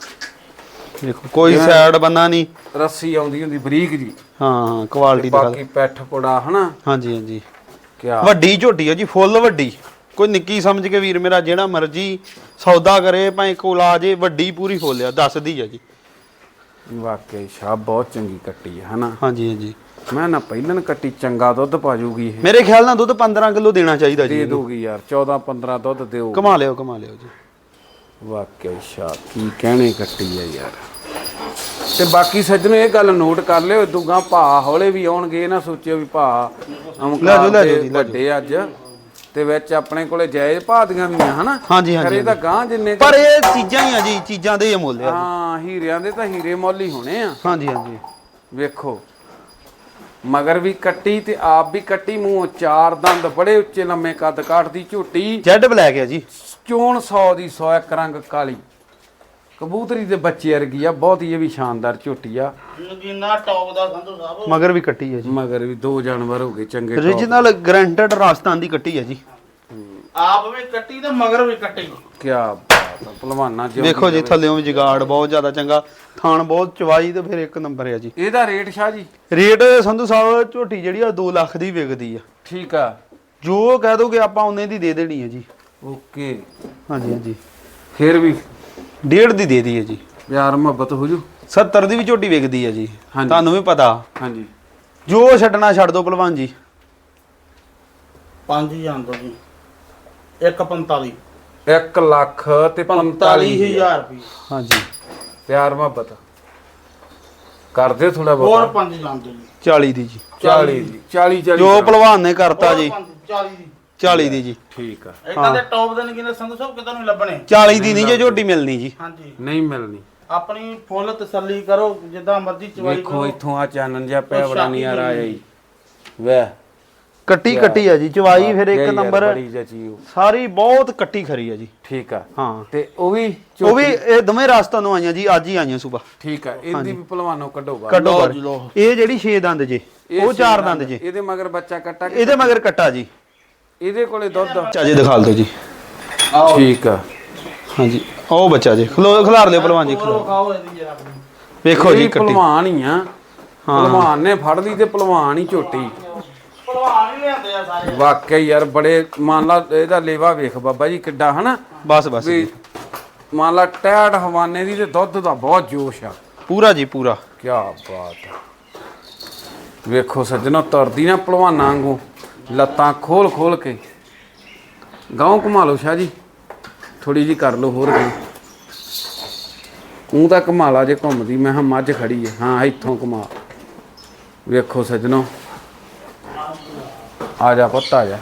Speaker 2: ਵੇਖੋ ਕੋਈ ਸਾਈਡ ਬੰਨਾ ਨਹੀਂ।
Speaker 1: ਰੱਸੀ ਆਉਂਦੀ ਹੁੰਦੀ ਬਰੀਕ ਜੀ।
Speaker 2: ਹਾਂ ਕੁਆਲਿਟੀ ਦਾ।
Speaker 1: ਬਾਕੀ ਪੈਠ ਪੁੜਾ ਹਨਾ।
Speaker 2: ਹਾਂਜੀ
Speaker 1: ਕਿਆ
Speaker 2: ਵੱਡੀ ਝੋਟੀ ਆ ਜੀ ਫੁੱਲ ਵੱਡੀ। ਕੋਈ ਨਿੱਕੀ ਸਮਝ ਕੇ ਵੀਰ ਮੇਰਾ ਜਿਹੜਾ ਮਰਜੀ ਸੌਦਾ ਕਰੇ ਭਾਵੇਂ ਕੋਲ ਆ ਜੇ। ਵੱਡੀ ਪੂਰੀ ਫੁੱਲ ਆ ਦੱਸਦੀ ਆ ਜੀ।
Speaker 1: ਵਾਕਈ ਸ਼ਾਹ ਬਹੁਤ ਚੰਗੀ ਕੱਟੀ ਆ ਹਨਾ।
Speaker 2: ਹਾਂਜੀ
Speaker 1: ਮੈਂ ਨਾ ਪਹਿਲਾਂ ਕੱਟੀ ਚੰਗਾ ਦੁੱਧ ਪਾ ਜੂਗੀ ਇਹ।
Speaker 2: ਮੇਰੇ ਖਿਆਲ ਨਾਲ ਦੁੱਧ 15 ਕਿਲੋ ਦੇਣਾ ਚਾਹੀਦਾ ਜੀ।
Speaker 1: ਦੇ ਦੋਗੀ ਯਾਰ 14-15 ਦੁੱਧ ਦਿਓ।
Speaker 2: ਕਮਾ ਲਿਓ ਜੀ।
Speaker 1: ਵਾਕਈ ਸ਼ਾਹ ਕੀ ਕਹਿਣੇ ਕੱਟੀ ਆ ਯਾਰ। ਤੇ ਬਾਕੀ ਸੱਜਣੋ ਇਹ ਗੱਲ ਨੋਟ ਕਰ ਲਿਓ। ਦੁੱਗਾ ਭਾ ਹੌਲੇ ਵੀ ਆਉਣਗੇ। ਨਾ ਸੋਚਿਓ ਵੀ ਭਾ ਵੱਡੇ ਅੱਜ ਤੇ ਵਿੱਚ ਆਪਣੇ ਕੋਲੇ ਜਾਇਜ਼ ਭਾਅ ਦੀਆਂ ਵੀ ਆ ਹਨਾ।
Speaker 2: ਹਾਂਜੀ
Speaker 1: ਇਹ ਤਾਂ ਗਾਂ ਜਿੰਨੇ
Speaker 2: ਪਰ ਇਹ ਚੀਜ਼ਾਂ ਹੀ ਆ ਜੀ। ਚੀਜ਼ਾਂ ਦੇ ਹੀ ਮੁੱਲ ਆ।
Speaker 1: ਹਾਂ ਹੀਰਿਆਂ ਦੇ ਤਾਂ ਹੀਰੇ ਮੁੱਲ ਹੀ ਹੋਣੇ ਆ।
Speaker 2: ਹਾਂਜੀ
Speaker 1: ਵੇਖੋ ਮਗਰ ਵੀ ਕੱਟੀ ਤੇ ਆਪ ਵੀ ਕੱਟੀ। ਮੂੰਹ 4 ਦੰਦ ਬੜੇ ਉੱਚੇ ਲੰਮੇ ਕੱਦ ਕਾਠ ਦੀ ਝੋਟੀ।
Speaker 2: ਜੈਡ ਬਲੈਕ ਆ ਜੀ।
Speaker 1: ਚੋਣ 100 ਦੀ 100 ਇੱਕ ਰੰਗ ਕਾਲੀ ਕਬੂਤਰੀ ਦੇ ਬੱਚੇ ਵਰਗੀ ਆ, ਬਹੁਤ ਹੀ ਇਹ ਵੀ ਸ਼ਾਨਦਾਰ ਝੋਟੀ ਆ।
Speaker 3: ਨਗੀਨਾ ਟੌਪ ਦਾ ਸੰਧੂ ਸਾਹਿਬ।
Speaker 2: ਮਗਰ ਵੀ ਕੱਟੀ ਹੈ ਜੀ,
Speaker 1: ਮਗਰ ਵੀ 2 ਜਾਨਵਰ ਹੋ ਗਏ ਚੰਗੇ top।
Speaker 2: ਓਰੀਜਨਲ ਗਰੰਟਡ ਰਾਜਸਥਾਨ ਦੀ ਕੱਟੀ ਹੈ ਜੀ।
Speaker 3: ਆਪ ਵੀ ਕੱਟੀ ਤੇ ਮਗਰ ਵੀ ਕੱਟੀ।
Speaker 1: ਕੀ ਬਾਤ ਆ ਪਹਿਲਵਾਨਾਂ ਜਿਉਂ
Speaker 2: ਵੇਖੋ ਜੀ ਥੱਲੇੋਂ ਵੀ ਜਗਾੜ ਬਹੁਤ ਜ਼ਿਆਦਾ ਚੰਗਾ, ਥਾਣ ਬਹੁਤ ਚਵਾਈ ਤੇ ਫਿਰ ਇੱਕ ਨੰਬਰ ਹੈ ਜੀ।
Speaker 1: ਇਹਦਾ ਰੇਟ ਸ਼ਾਹ ਜੀ?
Speaker 2: ਰੇਟ ਸੰਧੂ ਸਾਹਿਬ ਝੋਟੀ ਜਿਹੜੀ ਆ 2 ਲੱਖ ਦੀ ਵਿਕਦੀ ਆ।
Speaker 1: ਠੀਕ ਆ,
Speaker 2: ਜੋ ਕਹਿ ਦੋਗੇ ਆਪਾਂ ਉਹਨੇ ਦੀ ਦੇ ਦੇਣੀ ਹੈ ਜੀ।
Speaker 1: ਓਕੇ,
Speaker 2: ਹਾਂਜੀ ਹਾਂਜੀ,
Speaker 1: ਫਿਰ ਵੀ
Speaker 2: 1.5 ਦੀ ਦੇ ਦੀ ਹੈ ਜੀ।
Speaker 1: ਪਿਆਰ ਮੁਹੱਬਤ ਹੋ ਜੂ।
Speaker 2: 70 ਦੀ ਵੀ ਝੋਟੀ ਵਿਕਦੀ ਹੈ ਜੀ,
Speaker 1: ਹਾਂਜੀ।
Speaker 2: ਤੁਹਾਨੂੰ ਵੀ ਪਤਾ।
Speaker 1: ਹਾਂਜੀ,
Speaker 2: ਜੋ ਛੱਡਣਾ ਛੱਡ ਦੋ ਭਲਵਾਨ ਜੀ।
Speaker 3: 5 ਜਾਂਦੋ ਜੀ 145
Speaker 1: 1 ਲੱਖ ਤੇ 45,000
Speaker 3: ਰੁਪਏ।
Speaker 2: ਹਾਂਜੀ,
Speaker 1: ਪਿਆਰ ਮੁਹੱਬਤ ਕਰਦੇ ਥੋੜਾ
Speaker 3: ਹੋਰ
Speaker 1: ਬਹੁਤ।
Speaker 3: 5 ਜਾਂਦੋ ਜੀ
Speaker 2: 40 ਦੀ ਜੀ।
Speaker 1: 40 ਦੀ 40
Speaker 2: ਜੋ ਭਲਵਾਨ ਨੇ ਕਰਤਾ ਜੀ,
Speaker 3: 40 ਦੀ।
Speaker 2: 40 ਦੀ ਜੀ।
Speaker 1: ਠੀਕ ਆ,
Speaker 3: ਇਦਾਂ ਦੇ ਟੌਪ ਦੇ ਨਗੀਨੇ ਸੰਧੂ ਸਾਹਿਬ ਕਿਤੇ ਨਹੀਂ ਲੱਭਣੇ।
Speaker 2: 40 ਦੀ ਨਹੀਂ ਜੇ ਝੋਟੀ ਮਿਲਣੀ ਜੀ।
Speaker 3: ਹਾਂਜੀ,
Speaker 1: ਨਹੀਂ ਮਿਲਣੀ।
Speaker 3: ਆਪਣੀ ਫੁੱਲ ਤਸੱਲੀ ਕਰੋ, ਜਿੱਦਾਂ ਮਰਜ਼ੀ ਚਵਾਈ
Speaker 1: ਵੇਖੋ
Speaker 3: ਕਰੋ।
Speaker 1: ਇੱਥੋਂ ਆ ਚਾਨਣ ਜਿਹਾ ਪਿਆ ਬੜਾ ਨਹੀਂ ਆ ਰਿਹਾ ਜੀ। ਵੇ
Speaker 2: ਕੱਟੀ ਕੱਟੀ ਆ ਜੀ, ਚਵਾਈ ਫਿਰ ਇੱਕ ਨੰਬਰ।
Speaker 1: ਬੜੀ ਜਚੀ ਉਹ।
Speaker 2: ਸਾਰੀ ਬਹੁਤ ਕੱਟੀ ਖਰੀ ਆ ਜੀ।
Speaker 1: ਠੀਕ ਆ,
Speaker 2: ਹਾਂ,
Speaker 1: ਤੇ ਉਹ ਵੀ
Speaker 2: ਉਹ ਵੀ ਇਹ ਦੋਵੇਂ ਰਾਜਸਥਾਨ ਨੂੰ ਆਈਆਂ ਜੀ, ਅੱਜ ਹੀ ਆਈਆਂ ਸਵੇਰ।
Speaker 1: ਠੀਕ ਆ, ਇਹਦੀ ਵੀ ਭਲਵਾਨੋਂ ਕੱਢੋ ਬਾਹਰ।
Speaker 2: ਕੱਢੋ
Speaker 3: ਲਓ
Speaker 2: ਬਾਹਰ।
Speaker 3: ਜੀ, ਲਓ।
Speaker 2: ਇਹ ਜਿਹੜੀ 6 ਦੰਦ ਜੇ,
Speaker 1: ਇਹ
Speaker 2: ਉਹ 4
Speaker 1: ਛੇ
Speaker 2: ਦੰਦ ਜੇ।
Speaker 1: ਇਹਦੇ ਮਗਰ ਬੱਚਾ ਕੱਟਾ ਕੇ
Speaker 2: ਇਹਦੇ ਮਗਰ ਕੱਟਾ ਜੀ।
Speaker 1: ਇਹਦੇ ਕੋਲੇ ਦੁੱਧ।
Speaker 2: ਚਾਜੇ ਦਿਖਾ ਦਿਓ ਜੀ।
Speaker 3: ਆਓ
Speaker 1: ਠੀਕ ਆ,
Speaker 2: ਹਾਂਜੀ, ਉਹ ਬੱਚਾ ਜੀ, ਖਿਲਾਰ ਲਿਓ ਭਲਵਾਨ ਜੀ, ਖਿਲਾਰ।
Speaker 3: ਖਾਓ ਇਹਦੀ ਜਰਾ ਆਪਣੀ।
Speaker 2: ਵੇਖੋ ਜੀ
Speaker 1: ਇਹ
Speaker 2: ਕੱਟੀ।
Speaker 1: ਭਲਵਾਨ ਹੀ ਆ। ਭਲਵਾਨ ਨੇ ਫੜ ਲਈ ਤੇ ਭਲਵਾਨ ਹੀ ਝੋਟੀ।
Speaker 3: ਭਲਵਾਨ ਹੀ ਲਿਆਂਦੇ ਆ ਸਾਰੇ।
Speaker 1: ਵਾਕਈ ਯਾਰ ਬੜੇ, ਮੰਨ ਲਾ ਇਹਦਾ ਲੇਵਾ ਵੇਖ ਬਾਬਾ ਜੀ ਕਿੱਡਾ ਹਨਾ
Speaker 2: ਬਸ ਬਸ
Speaker 1: ਵੀ,
Speaker 2: ਜੀ।
Speaker 1: ਮੰਨ ਲਾ ਟੈਟ ਹਵਾਨੇ ਦੀ ਤੇ ਦੁੱਧ ਦਾ ਬਹੁਤ ਜੋਸ਼ ਆ।
Speaker 2: ਪੂਰਾ ਜੀ ਪੂਰਾ।
Speaker 1: ਕੀ ਬਾਤ ਆ। ਵੇਖੋ ਸੱਜਣੋ, ਤੁਰਦੀ ਨਾ ਭਲਵਾਨਾਂ ਵਾਂਗੂ, ਲੱਤਾਂ ਖੋਲ ਖੋਲ ਕੇ। ਗਾਉਂ ਘੁਮਾ ਲਓ ਸ਼ਾਹ ਜੀ, ਥੋੜੀ ਜੀ ਕਰ ਲਓ ਹੋਰ ਗਈ। ਉਹ ਤਾਂ ਘੁਮਾ ਲਾ ਜੇ ਘੁੰਮਦੀ। ਮੈਂ ਕਿਹਾ ਮੱਝ ਖੜੀ ਹੈ। ਹਾਂ ਇੱਥੋਂ ਘੁਮਾ। ਵੇਖੋ ਸੱਜਣੋ, ਆ ਜਾ ਪੁੱਤ ਆ ਜਾ।